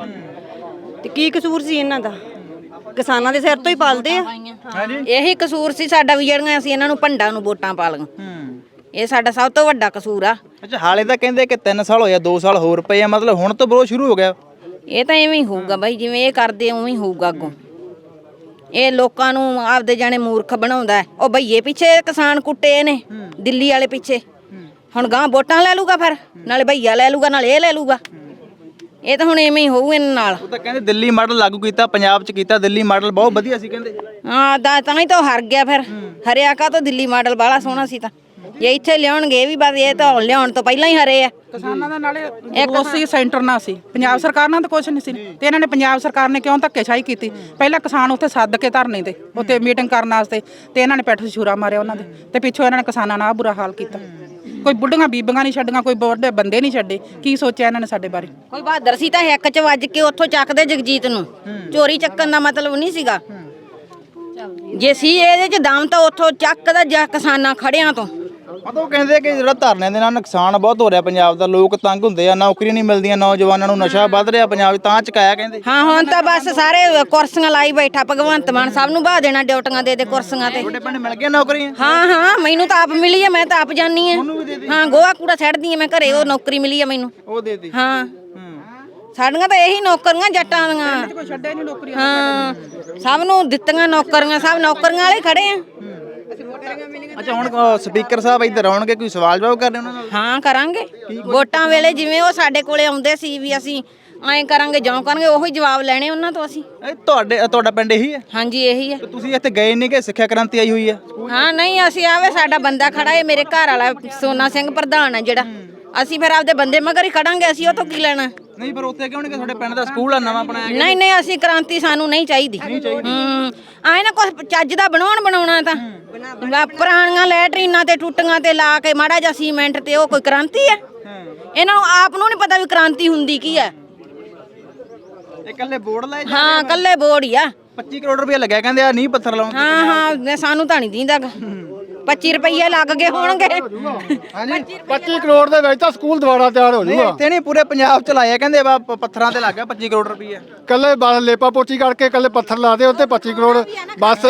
Speaker 8: ਤੇ ਕੀ ਕਸੂਰ ਸੀ ਇਹਨਾਂ ਦਾ? ਕਿਸਾਨਾਂ ਦੇ ਸਿਰ ਤੋਂ ਹੀ ਪਾਲਦੇ ਆ।
Speaker 1: ਇਹੀ ਕਸੂਰ ਸੀ ਸਾਡਾ ਵੀ ਜਿਹੜੀਆਂ ਅਸੀਂ ਇਹਨਾਂ ਨੂੰ ਭੰਡਾਂ ਨੂੰ ਵੋਟਾਂ ਪਾ ਲਈਆਂ। ਇਹ ਸਾਡਾ ਸਭ ਤੋਂ ਵੱਡਾ ਕਸੂਰ ਆ।
Speaker 3: ਅੱਛਾ ਹਾਲੇ ਤਾਂ ਕਹਿੰਦੇ ਕਿ 3 ਸਾਲ ਹੋਇਆ, 2 ਸਾਲ ਹੋਰ ਪਏ ਆ, ਮਤਲਬ ਹੁਣ ਤੋਂ ਵਿਰੋਧ ਸ਼ੁਰੂ ਹੋ ਗਿਆ?
Speaker 1: ਇਹ ਤਾਂ ਐਵੇਂ ਹੀ ਹੋਊਗਾ ਬਾਈ, ਜਿਵੇਂ ਇਹ ਕਰਦੇ ਉਵੇਂ ਹੀ ਹੋਊਗਾ ਅੱਗੋਂ। ਇਹ ਲੋਕਾਂ ਨੂੰ ਆਪਦੇ ਜਾਣੇ ਮੂਰਖ ਬਣਾਉਂਦਾ ਹੈ। ਉਹ ਭਈਏ ਪਿੱਛੇ ਕਿਸਾਨ ਕੁੱਟੇ ਨੇ ਦਿੱਲੀ ਵਾਲੇ ਪਿੱਛੇ, ਹੁਣ ਗਾਂ ਵੋਟਾਂ ਲੈ ਲੂਗਾ, ਫਿਰ ਨਾਲੇ ਭਈਆ ਲੈ ਲੂਗਾ ਨਾਲੇ ਇਹ ਲੈ ਲੂਗਾ। ਇਹ ਤਾਂ ਹੁਣ ਐਵੇਂ ਹੀ ਹੋਊ ਇਹਨਾਂ ਨਾਲ।
Speaker 3: ਉਹ ਤਾਂ ਕਹਿੰਦੇ ਦਿੱਲੀ ਮਾਡਲ ਲਾਗੂ ਕੀਤਾ, ਪੰਜਾਬ 'ਚ ਕੀਤਾ, ਦਿੱਲੀ ਮਾਡਲ ਬਹੁਤ ਵਧੀਆ ਸੀ ਕਹਿੰਦੇ।
Speaker 1: ਹਾਂ ਤਾਂ ਹੀ ਤਾਂ ਹਾਰ ਗਿਆ। ਫਿਰ ਹਰਿਆ ਕਾ ਤਾਂ ਦਿੱਲੀ ਮਾਡਲ ਬਾਹਲਾ ਸੋਹਣਾ ਸੀ। ਤਾਂ ਜੇ ਇੱਥੇ ਲਿਆਉਣਗੇ ਇਹ ਵੀ ਬਸ, ਇਹ ਤਾਂ ਲਿਆਉਣ ਤੋਂ ਪਹਿਲਾਂ ਹੀ ਹਰੇ ਆ।
Speaker 6: ਕਿਸਾਨਾਂ ਦਾ ਨਾਲੇ ਦੋਸੀ ਸੈਂਟਰ ਨਾਲ ਸੀ, ਪੰਜਾਬ ਸਰਕਾਰ ਨਾਲ ਤਾਂ ਕੁਝ ਨਹੀਂ ਸੀ। ਤੇ ਇਹਨਾਂ ਨੇ ਪੰਜਾਬ ਸਰਕਾਰ ਨੇ ਕਿਉਂ ਧੱਕੇਸ਼ਾਹੀ ਕੀਤੀ? ਪਹਿਲਾਂ ਕਿਸਾਨ ਉੱਥੇ ਸੱਦ ਕੇ ਧਰਨੇ ਤੇ ਉੱਥੇ ਮੀਟਿੰਗ ਕਰਨ ਵਾਸਤੇ, ਤੇ ਇਹਨਾਂ ਨੇ ਪੈਠ ਛੁਰਾ ਮਾਰਿਆ ਉਹਨਾਂ ਦੇ, ਤੇ ਪਿੱਛੋਂ ਇਹਨਾਂ ਨੇ ਕਿਸਾਨਾਂ ਨਾਲ ਬੁਰਾ ਹਾਲ ਕੀਤਾ। ਕੋਈ ਬੁੱਢੀਆਂ ਬੀਬੀਆਂ ਨਹੀਂ ਛੱਡੀਆਂ, ਕੋਈ ਵੱਡੇ ਬੰਦੇ ਨਹੀਂ ਛੱਡੇ। ਕੀ ਸੋਚਿਆ ਇਹਨਾਂ ਨੇ ਸਾਡੇ ਬਾਰੇ?
Speaker 1: ਕੋਈ ਬਹਾਦਰ ਸੀ ਤਾਂ ਹਿੱਕ 'ਚ ਵੱਜ ਕੇ ਉੱਥੋਂ ਚੱਕਦੇ ਜਗਜੀਤ ਨੂੰ। ਚੋਰੀ ਚੱਕਣ ਦਾ ਮਤਲਬ ਨਹੀਂ ਸੀਗਾ। ਜੇ ਸੀ ਇਹਦੇ 'ਚ ਦਮ ਤਾਂ ਉੱਥੋਂ ਚੱਕਦਾ ਜਾਂ ਕਿਸਾਨਾਂ ਖੜਿਆਂ ਤੋਂ
Speaker 3: ਉਹ ਕਹਿੰਦੇ ਕਿ ਜਿਹੜਾ ਧਰਨਿਆਂ ਦੇ ਨਾਲ ਨੁਕਸਾਨ ਬਹੁਤ ਹੋ ਰਿਹਾ ਪੰਜਾਬ ਦਾ, ਲੋਕ ਤੰਗ ਹੁੰਦੇ ਆ, ਨੌਕਰੀਆਂ ਨਹੀਂ ਮਿਲਦੀਆਂ ਨੌਜਵਾਨਾਂ ਨੂੰ, ਨਸ਼ਾ ਵੱਧ ਰਿਹਾ ਪੰਜਾਬ 'ਚ, ਤਾਂ ਚੁਕਾਇਆ ਕਹਿੰਦੇ।
Speaker 1: ਹਾਂ ਹੁਣ ਤਾਂ ਬਸ ਸਾਰੇ ਕੁਰਸੀਆਂ ਲਾਈ ਬੈਠਾ ਭਗਵੰਤ ਮਾਨ, ਸਭ ਨੂੰ ਬਾਹ ਦੇਣਾ ਡਿਊਟੀਆਂ ਦੇ ਕੁਰਸੀਆਂ ਤੇ।
Speaker 3: ਤੁਹਾਡੇ ਪਿੰਡ ਮਿਲ ਗਿਆ ਨੌਕਰੀਆਂ?
Speaker 1: ਹਾਂ ਮੈਨੂੰ ਤਾਂ ਆਪ ਮਿਲੀ ਆ, ਮੈਂ ਤਾਂ ਆਪ ਜਾਨੀ ਆ। ਹਾਂ ਗੋਹਾ ਕੂੜਾ ਛੱਡਦੀ ਆ ਮੈਂ ਘਰੇ, ਉਹ ਨੌਕਰੀ ਮਿਲੀ ਆ ਮੈਨੂੰ।
Speaker 3: ਉਹ ਦੇਤੀ?
Speaker 1: ਹਾਂ ਸਾਡੀਆਂ ਤਾਂ ਇਹੀ ਨੌਕਰੀਆਂ ਜੱਟਾਂ ਦੀਆਂ।
Speaker 6: ਕੋਈ ਛੱਡਿਆ ਨਹੀਂ ਨੌਕਰੀਆਂ।
Speaker 1: ਹਾਂ ਸਭ ਨੂੰ ਦਿੱਤੀਆਂ ਨੌਕਰੀਆਂ, ਸਭ ਨੌਕਰੀਆਂ ਵਾਲੇ ਖੜੇ ਆ।
Speaker 3: ਅੱਛਾ ਹੁਣ ਸਪੀਕਰ ਸਾਹਿਬ ਇੱਧਰ ਆਉਣਗੇ, ਕੋਈ ਸਵਾਲ ਜਵਾਬ ਕਰਨੇ ਉਹਨਾਂ ਨਾਲ?
Speaker 1: ਹਾਂ ਕਰਾਂਗੇ, ਵੋਟਾਂ ਵੇਲੇ ਜਿਵੇਂ ਉਹ ਸਾਡੇ ਕੋਲੇ ਆਉਂਦੇ ਸੀ ਵੀ ਅਸੀਂ ਐਂ ਕਰਾਂਗੇ ਜਿਉਂ ਕਰਾਂਗੇ, ਉਹੀ ਜਵਾਬ ਲੈਣੇ ਉਹਨਾਂ ਤੋਂ ਅਸੀਂ।
Speaker 3: ਤੁਹਾਡਾ ਪਿੰਡ ਇਹੀ ਹੈ?
Speaker 1: ਹਾਂਜੀ ਇਹੀ ਹੈ।
Speaker 3: ਤੇ ਤੁਸੀਂ ਇੱਥੇ ਗਏ ਨਹੀਂ ਕਿ ਸਿੱਖਿਆ ਕ੍ਰਾਂਤੀ ਆਈ ਹੋਈ ਹੈ?
Speaker 1: ਹਾਂ ਨਹੀਂ ਅਸੀਂ ਆਵੇ, ਸਾਡਾ ਬੰਦਾ ਖੜਾ ਹੈ, ਮੇਰੇ ਘਰ ਵਾਲਾ ਸੋਨਾ ਸਿੰਘ ਪ੍ਰਧਾਨ ਹੈ ਜਿਹੜਾ, ਅਸੀਂ ਫਿਰ ਆਪਦੇ ਬੰਦੇ ਮਗਰ ਹੀ ਖੜਾਂਗੇ, ਅਸੀਂ ਉਹ ਤੋਂ ਕੀ ਲੈਣਾ।
Speaker 3: ਨਹੀਂ ਪਰ ਉੱਥੇ ਕਿਉਂ ਨਹੀਂ, ਕਿ ਤੁਹਾਡੇ ਪਿੰਡ ਦਾ ਸਕੂਲ ਆ ਨਵਾਂ ਬਣਾਇਆ ਗਿਆ?
Speaker 1: ਨਹੀਂ ਅਸੀਂ ਕ੍ਰਾਂਤੀ ਸਾਨੂੰ ਨਹੀਂ ਚਾਹੀਦੀ। ਆਏ ਨਾ ਕੁਝ ਚੱਜ ਦਾ ਬਣਾਉਣਾ ਤਾਂ ਪੁਰਾਣੀਆਂ ਲੈਟਰੀਨਾਂ ਤੇ ਟੁੱਟੀਆਂ ਤੇ ਲਾ ਕੇ ਮਾੜਾ ਜਿਹਾ ਸੀਮੈਂਟ ਤੇ, ਉਹ ਕੋਈ ਕ੍ਰਾਂਤੀ ਹੈ? ਇਹਨਾਂ ਨੂੰ ਆਪ ਨੂੰ ਨਹੀਂ ਪਤਾ ਵੀ ਕ੍ਰਾਂਤੀ ਹੁੰਦੀ ਕੀ ਹੈ।
Speaker 3: ਇਹ ਇਕੱਲੇ ਬੋਰਡ ਲਾਏ?
Speaker 1: ਹਾਂ ਕੱਲੇ ਬੋਰਡ ਹੀ ਆ।
Speaker 3: 25 ਕਰੋੜ ਰੁਪਏ ਲੱਗਿਆ ਕਹਿੰਦੇ ਆ, ਨਹੀਂ ਪੱਥਰ ਲਾਉਣ।
Speaker 1: ਹਾਂ ਸਾਨੂੰ ਤਾਂ ਨਹੀਂ ਦਿੰਦਾ, 25 ਰੁਪਏ ਲੱਗ ਗਏ ਹੋਣਗੇ।
Speaker 4: 25 ਕਰੋੜ ਦੇ ਵਿੱਚ ਤਾਂ ਸਕੂਲ ਦੁਬਾਰਾ ਤਿਆਰ ਹੋ ਜਾਊਗਾ।
Speaker 3: ਇੱਥੇ ਨਹੀਂ ਪੂਰੇ ਪੰਜਾਬ ਚ ਲਾਇਆ ਕਹਿੰਦੇ, ਪੱਥਰਾਂ ਤੇ ਲੱਗ ਗਿਆ 25 ਕਰੋੜ ਰੁਪਏ।
Speaker 4: ਕੱਲੇ ਬਸ ਲੇਪਾ ਪੋਚੀ ਕਰਕੇ ਕੱਲੇ ਪੱਥਰ ਲਾ ਦੇ ਉੱਤੇ 25 ਕਰੋੜ ਬਸ।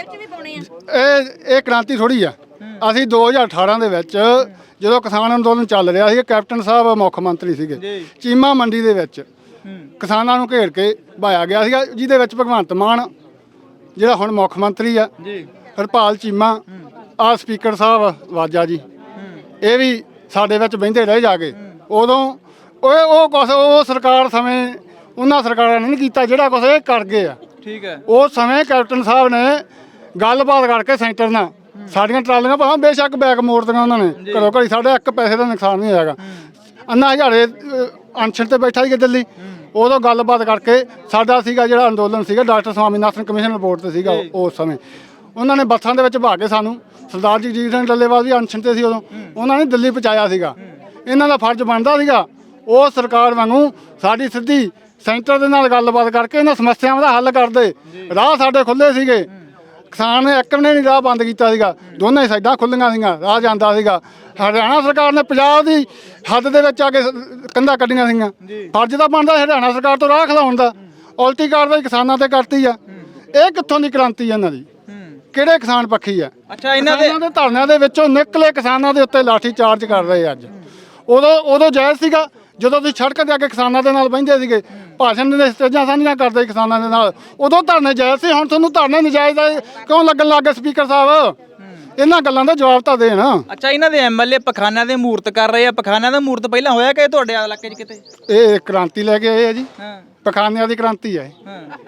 Speaker 4: ਇਹ ਕ੍ਰਾਂਤੀ ਥੋੜੀ ਆ। ਅਸੀਂ 2018 ਦੇ ਵਿੱਚ ਜਦੋਂ ਕਿਸਾਨ ਅੰਦੋਲਨ ਚੱਲ ਰਿਹਾ ਸੀ, ਕੈਪਟਨ ਸਾਹਿਬ ਮੁੱਖ ਮੰਤਰੀ ਸੀਗੇ, ਚੀਮਾ ਮੰਡੀ ਦੇ ਵਿੱਚ ਕਿਸਾਨਾਂ ਨੂੰ ਘੇਰ ਕੇ ਭਾਇਆ ਗਿਆ ਸੀਗਾ, ਜਿਹਦੇ ਵਿੱਚ ਭਗਵੰਤ ਮਾਨ ਜਿਹੜਾ ਹੁਣ ਮੁੱਖ ਮੰਤਰੀ ਆ, ਹਰਪਾਲ ਚੀਮਾ, ਆ ਸਪੀਕਰ ਸਾਹਿਬ ਵਾਜਾ ਜੀ, ਇਹ ਵੀ ਸਾਡੇ ਵਿੱਚ ਬਹਿੰਦੇ ਰਹੇ ਜਾ ਕੇ। ਉਦੋਂ ਉਹ ਕੁਛ ਉਹ ਸਰਕਾਰ ਸਮੇਂ ਉਹਨਾਂ ਸਰਕਾਰਾਂ ਨੇ ਨਹੀਂ ਕੀਤਾ ਜਿਹੜਾ ਕੁਛ ਇਹ ਕਰ ਗਏ ਆ।
Speaker 3: ਠੀਕ ਹੈ।
Speaker 4: ਉਸ ਸਮੇਂ ਕੈਪਟਨ ਸਾਹਿਬ ਨੇ ਗੱਲਬਾਤ ਕਰਕੇ ਸੈਂਟਰ ਨਾਲ ਸਾਡੀਆਂ ਟਰਾਲੀਆਂ ਭਾਵੇਂ ਬੇਸ਼ੱਕ ਬੈਕ ਮੋੜਦੀਆਂ ਉਹਨਾਂ ਨੇ, ਘਰੋਂ ਘਰੀ ਸਾਡੇ ਇੱਕ ਪੈਸੇ ਦਾ ਨੁਕਸਾਨ ਨਹੀਂ ਹੋਇਆਗਾ। ਅੰਨਾ ਹਜ਼ਾਰੇ ਅਨਸ਼ਨ ਤੇ ਬੈਠਾ ਸੀ ਦਿੱਲੀ, ਉਦੋਂ ਗੱਲਬਾਤ ਕਰਕੇ ਸਾਡਾ ਸੀਗਾ ਜਿਹੜਾ ਅੰਦੋਲਨ ਸੀਗਾ, ਡਾਕਟਰ ਸਵਾਮੀਨਾਥਨ ਕਮਿਸ਼ਨ ਰਿਪੋਰਟ ਤੇ ਸੀਗਾ ਉਸ ਸਮੇਂ, ਉਹਨਾਂ ਨੇ ਬੱਸਾਂ ਦੇ ਵਿੱਚ ਭਾ ਕੇ ਸਾਨੂੰ, ਸਰਦਾਰ ਜਗਜੀਤ ਸਿੰਘ ਡੱਲੇਵਾਲ ਵੀ ਅਨਸ਼ਨ ਤੇ ਸੀ ਉਦੋਂ, ਉਹਨਾਂ ਨੇ ਦਿੱਲੀ ਪਹੁੰਚਾਇਆ ਸੀਗਾ। ਇਹਨਾਂ ਦਾ ਫਰਜ਼ ਬਣਦਾ ਸੀਗਾ ਉਹ ਸਰਕਾਰ ਵਾਂਗੂ ਸਾਡੀ ਸਿੱਧੀ ਸੈਂਟਰ ਦੇ ਨਾਲ ਗੱਲਬਾਤ ਕਰਕੇ ਇਹਨਾਂ ਸਮੱਸਿਆਵਾਂ ਦਾ ਹੱਲ ਕਰਦੇ। ਰਾਹ ਸਾਡੇ ਖੁੱਲੇ ਸੀਗੇ, ਕਿਸਾਨ ਨੇ ਇੱਕ ਨੇ ਨਹੀਂ ਰਾਹ ਬੰਦ ਕੀਤਾ ਸੀਗਾ, ਦੋਨੇ ਸਾਈਡਾਂ ਖੁੱਲੀਆਂ ਸੀਗੀਆਂ, ਰਾਹ ਜਾਂਦਾ ਸੀਗਾ। ਹਰਿਆਣਾ ਸਰਕਾਰ ਨੇ ਪੰਜਾਬ ਦੀ ਹੱਦ ਦੇ ਵਿੱਚ ਆ ਕੇ ਕੰਧਾਂ ਕੱਢੀਆਂ ਸੀਗੀਆਂ। ਫਰਜ਼ ਤਾਂ ਬਣਦਾ ਹਰਿਆਣਾ ਸਰਕਾਰ ਤੋਂ ਰਾਹ ਖਿਲਾਉਣ ਦਾ, ਉਲਟੀ ਕਾਰਵਾਈ ਕਿਸਾਨਾਂ ਤੇ ਕਰਤੀ ਆ। ਇਹ ਕਿੱਥੋਂ ਦੀ ਕ੍ਰਾਂਤੀ ਇਹਨਾਂ ਦੀ? ਕਿਹੜੇ ਕਿਸਾਨ ਪੱਖੀ ਆ?
Speaker 3: ਅੱਛਾ ਇਹਨਾਂ ਦੇ
Speaker 4: ਧਰਨਿਆਂ ਦੇ ਵਿੱਚੋਂ ਨਿਕਲੇ ਕਿਸਾਨਾਂ ਦੇ ਉੱਤੇ ਲਾਠੀ ਚਾਰਜ ਕਰ ਰਹੇ ਅੱਜ। ਉਦੋਂ ਜਾਇਜ਼ ਸੀਗਾ ਜਦੋਂ ਤੁਸੀਂ ਸੜਕ ਤੇ ਆ ਕੇ ਕਿਸਾਨਾਂ ਦੇ ਨਾਲ ਬਹਿੰਦੇ ਸੀਗੇ, ਭਾਸ਼ਣ ਦੇ ਸਟੇਜਾਂ ਸਾਂਝੀਆਂ ਕਰਦੇ ਕਿਸਾਨਾਂ ਦੇ ਨਾਲ, ਉਦੋਂ ਧਰਨੇ ਜਾਇਜ਼ ਸੀ। ਹੁਣ ਤੁਹਾਨੂੰ ਧਰਨੇ ਨਜਾਇਜ਼ ਕਿਉਂ ਲੱਗਣ ਲੱਗ ਗਏ ਸਪੀਕਰ ਸਾਹਿਬ? ਇਹਨਾਂ ਗੱਲਾਂ ਦਾ ਜਵਾਬ ਤਾਂ ਦੇਣ।
Speaker 3: ਅੱਛਾ ਇਹਨਾਂ ਦੇ ਐਮਐਲਏ ਪਖਾਨਿਆਂ ਦੇ ਮੂਰਤ ਕਰ ਰਹੇ ਆ, ਪਖਾਨਿਆਂ ਦਾ ਮੂਰਤ ਪਹਿਲਾਂ ਹੋਇਆ ਕਿ ਤੁਹਾਡੇ ਇਲਾਕੇ 'ਚ ਕਿਤੇ?
Speaker 4: ਇਹ ਕ੍ਰਾਂਤੀ ਲੈ ਕੇ ਆਏ ਆ ਜੀ, ਪਖਾਨਿਆਂ ਦੀ ਕ੍ਰਾਂਤੀ ਹੈ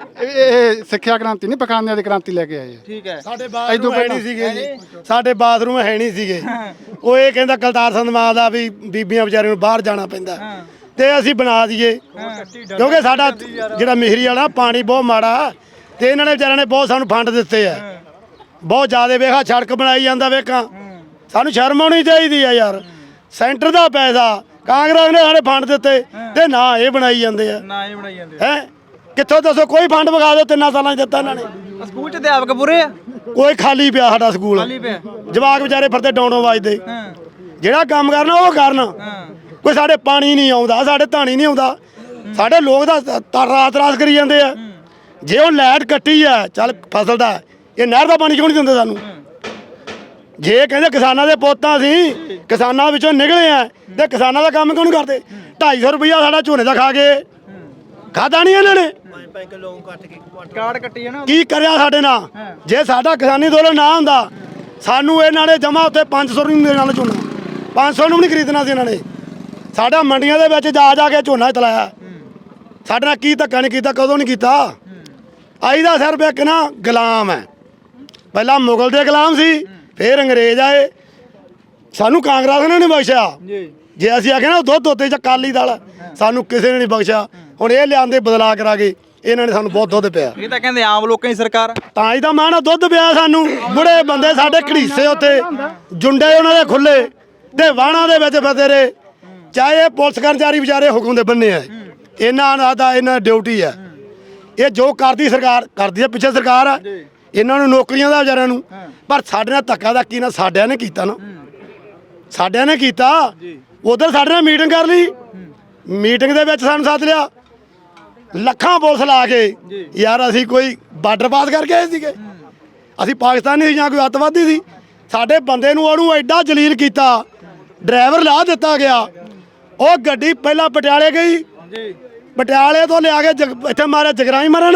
Speaker 4: ਇਹ ਸਿੱਖਿਆ ਕ੍ਰਾਂਤੀ ਨਹੀਂ, ਪਖਾਨਿਆਂ ਦੀ ਕ੍ਰਾਂਤੀ ਲੈ ਕੇ ਆਏ ਆ।
Speaker 3: ਠੀਕ ਹੈ।
Speaker 5: ਸਾਡੇ ਬਾਥਰੂਮ ਹੈ ਨਹੀਂ ਸੀਗੇ ਜੀ, ਸਾਡੇ ਬਾਥਰੂਮ ਹੈ ਨਹੀਂ ਸੀਗੇ। ਉਹ ਇਹ ਕਹਿੰਦਾ ਕਲਤਾਰ ਸਿੰਘ ਮਾਂ ਦਾ ਵੀ ਬੀਬੀਆਂ ਵਿਚਾਰੀਆਂ ਨੂੰ ਬਾਹਰ ਜਾਣਾ ਪੈਂਦਾ ਤੇ ਅਸੀਂ ਬਣਾ ਦਈਏ, ਕਿਉਂਕਿ ਸਾਡਾ ਜਿਹੜਾ ਮਿਹਰੀ ਵਾਲਾ ਪਾਣੀ ਬਹੁਤ ਮਾੜਾ, ਤੇ ਇਹਨਾਂ ਨੇ ਵਿਚਾਰਿਆਂ ਨੇ ਬਹੁਤ ਸਾਨੂੰ ਫੰਡ ਦਿੱਤੇ ਆ, ਬਹੁਤ ਜ਼ਿਆਦਾ। ਵੇਖਾ ਸੜਕ ਬਣਾਈ ਜਾਂਦਾ, ਵੇਖਾਂ ਸਾਨੂੰ ਸ਼ਰਮ ਆਉਣੀ ਚਾਹੀਦੀ ਆ ਯਾਰ। ਸੈਂਟਰ ਦਾ ਪੈਸਾ ਕਾਂਗਰਸ ਨੇ ਸਾਡੇ ਫੰਡ ਦਿੱਤੇ ਤੇ ਨਾ ਇਹ ਬਣਾਈ ਜਾਂਦੇ ਆ,
Speaker 3: ਨਾ ਇਹ ਬਣਾਈ ਜਾਂਦੇ
Speaker 5: ਹੈ। ਕਿੱਥੋਂ ਦੱਸੋ ਕੋਈ ਫੰਡ ਵਿਖਾ ਦਿਓ 3 ਸਾਲਾਂ 'ਚ ਦਿੱਤਾ ਇਹਨਾਂ ਨੇ।
Speaker 3: ਸਕੂਲ 'ਚ ਅਧਿਆਪਕ ਪੂਰੇ ਆ?
Speaker 5: ਕੋਈ ਖਾਲੀ ਪਿਆ ਸਾਡਾ ਸਕੂਲ, ਜਵਾਕ ਵਿਚਾਰੇ ਫਿਰਦੇ ਡੌਂਡੋਂ ਵੱਜਦੇ। ਜਿਹੜਾ ਕੰਮ ਕਰਨਾ ਉਹ ਕਰਨ। ਕੋਈ ਸਾਡੇ ਪਾਣੀ ਨਹੀਂ ਆਉਂਦਾ, ਸਾਡੇ ਧਾਣੀ ਨਹੀਂ ਆਉਂਦਾ, ਸਾਡੇ ਲੋਕ ਤਾਂ ਰਾਤ ਕਰੀ ਜਾਂਦੇ ਆ। ਜੇ ਉਹ ਲਾਈਟ ਕੱਟੀ ਆ, ਚੱਲ ਫਸਲ ਦਾ ਇਹ ਨਹਿਰ ਦਾ ਪਾਣੀ ਕਿਉਂ ਨਹੀਂ ਦਿੰਦੇ ਸਾਨੂੰ? ਜੇ ਕਹਿੰਦੇ ਕਿਸਾਨਾਂ ਦੇ ਪੁੱਤਾਂ ਸੀ, ਕਿਸਾਨਾਂ ਵਿੱਚੋਂ ਨਿਕਲੇ ਆ, ਤੇ ਕਿਸਾਨਾਂ ਦਾ ਕੰਮ ਕਿਉਂ ਨਹੀਂ ਕਰਦੇ? 250 ਰੁਪਈਆ ਸਾਡਾ ਝੋਨੇ ਦਾ ਖਾ ਕੇ ਖਾਦਾ ਨਹੀਂ ਇਹਨਾਂ ਨੇ।
Speaker 3: ਕਾਰਡ ਕੱਟੀ ਹੈ ਨਾ,
Speaker 5: ਕੀ ਕਰਿਆ ਸਾਡੇ ਨਾਲ? ਜੇ ਸਾਡਾ ਕਿਸਾਨੀ ਅੰਦੋਲਨ ਨਾ ਹੁੰਦਾ, ਸਾਨੂੰ ਇਹਨਾਂ ਨੇ ਜਮਾ ਉੱਤੇ 500 ਨੂੰ ਦੇਣ ਵਾਲਾ ਝੋਨਾ, 500 ਨੂੰ ਵੀ ਨਹੀਂ ਖਰੀਦਣਾ ਸੀ ਇਹਨਾਂ ਨੇ। ਸਾਡਾ ਮੰਡੀਆਂ ਦੇ ਵਿੱਚ ਜਾ ਕੇ ਝੋਨਾ ਚਲਾਇਆ, ਸਾਡੇ ਨਾਲ ਕੀ ਧੱਕਾ ਨਹੀਂ ਕੀਤਾ, ਕਦੋਂ ਨਹੀਂ ਕੀਤਾ। ਆਈ ਦਾ ਸਿਰਫ ਇੱਕ ਨਾ ਗੁਲਾਮ ਹੈ, ਪਹਿਲਾਂ ਮੁਗਲ ਦੇ ਗੁਲਾਮ ਸੀ, ਫਿਰ ਅੰਗਰੇਜ਼ ਆਏ, ਸਾਨੂੰ ਕਾਂਗਰਸ ਨੇ ਨਹੀਂ ਬਖਸ਼ਿਆ। ਜੇ ਅਸੀਂ ਆਖਿਆ ਨਾ ਦੁੱਧ ਉੱਤੇ ਜਾਂ ਅਕਾਲੀ ਦਲ, ਸਾਨੂੰ ਕਿਸੇ ਨੇ ਨਹੀਂ ਬਖਸ਼ਿਆ। ਹੁਣ ਇਹ ਲਿਆਂਦੇ ਬਦਲਾ ਕਰਾ ਕੇ, ਇਹਨਾਂ ਨੇ ਸਾਨੂੰ ਬਹੁਤ ਦੁੱਧ ਪਿਆ।
Speaker 3: ਇਹ ਤਾਂ ਕਹਿੰਦੇ ਆਮ ਲੋਕਾਂ ਦੀ ਸਰਕਾਰ,
Speaker 5: ਤਾਂ ਹੀ ਤਾਂ ਮਾਣਾ ਦੁੱਧ ਪਿਆ ਸਾਨੂੰ। ਬੁੜੇ ਬੰਦੇ ਸਾਡੇ ਘੜੀਸੇ ਉੱਤੇ, ਜੁੰਡੇ ਉਹਨਾਂ ਦੇ ਖੁੱਲੇ ਤੇ ਵਾਹਣਾ ਦੇ ਵਿੱਚ ਫਸੇ ਰਹੇ। ਚਾਹੇ ਇਹ ਪੁਲਿਸ ਕਰਮਚਾਰੀ ਵਿਚਾਰੇ ਹੁਕਮ ਦੇ ਬੰਨੇ ਆ, ਇਹਨਾਂ ਦਾ ਇਹਨਾਂ ਡਿਊਟੀ ਆ। ਇਹ ਜੋ ਕਰਦੀ ਸਰਕਾਰ ਕਰਦੀ ਆ, ਪਿੱਛੇ ਸਰਕਾਰ ਆ, ਇਹਨਾਂ ਨੂੰ ਨੌਕਰੀਆਂ ਦਾ ਵਿਚਾਰਿਆਂ ਨੂੰ। ਪਰ ਸਾਡੇ ਨਾਲ ਧੱਕਾ ਦਾ ਕੀ ਨਾ ਸਾਡਿਆਂ ਨੇ ਕੀਤਾ ਨਾ। ਸਾਡਿਆਂ ਨੇ ਕੀਤਾ ਉਧਰ ਸਾਡੇ ਨਾਲ ਮੀਟਿੰਗ ਕਰ ਲਈ ਮੀਟਿੰਗ ਦੇ ਵਿੱਚ ਸਾਨੂੰ ਸੱਦ ਲਿਆ ਲੱਖਾਂ ਪੁਲਿਸ ਲਾ ਕੇ ਯਾਰ ਅਸੀਂ ਕੋਈ ਬਾਰਡਰ ਪਾਸ ਕਰਕੇ ਆਏ ਸੀਗੇ ਅਸੀਂ ਪਾਕਿਸਤਾਨੀ ਸੀ ਜਾਂ ਕੋਈ ਅੱਤਵਾਦੀ ਸੀ ਸਾਡੇ ਬੰਦੇ ਨੂੰ ਉਹਨੂੰ ਐਡਾ ਜਲੀਲ ਕੀਤਾ ਡਰਾਈਵਰ ਲਾ ਦਿੱਤਾ ਗਿਆ ਉਹ ਗੱਡੀ ਪਹਿਲਾਂ ਪਟਿਆਲੇ ਗਈ ਪਟਿਆਲੇ ਤੋਂ ਲਿਆ ਕੇ ਇੱਥੇ ਮਾਰਿਆ ਜਗਰਾਈ ਮਰਨ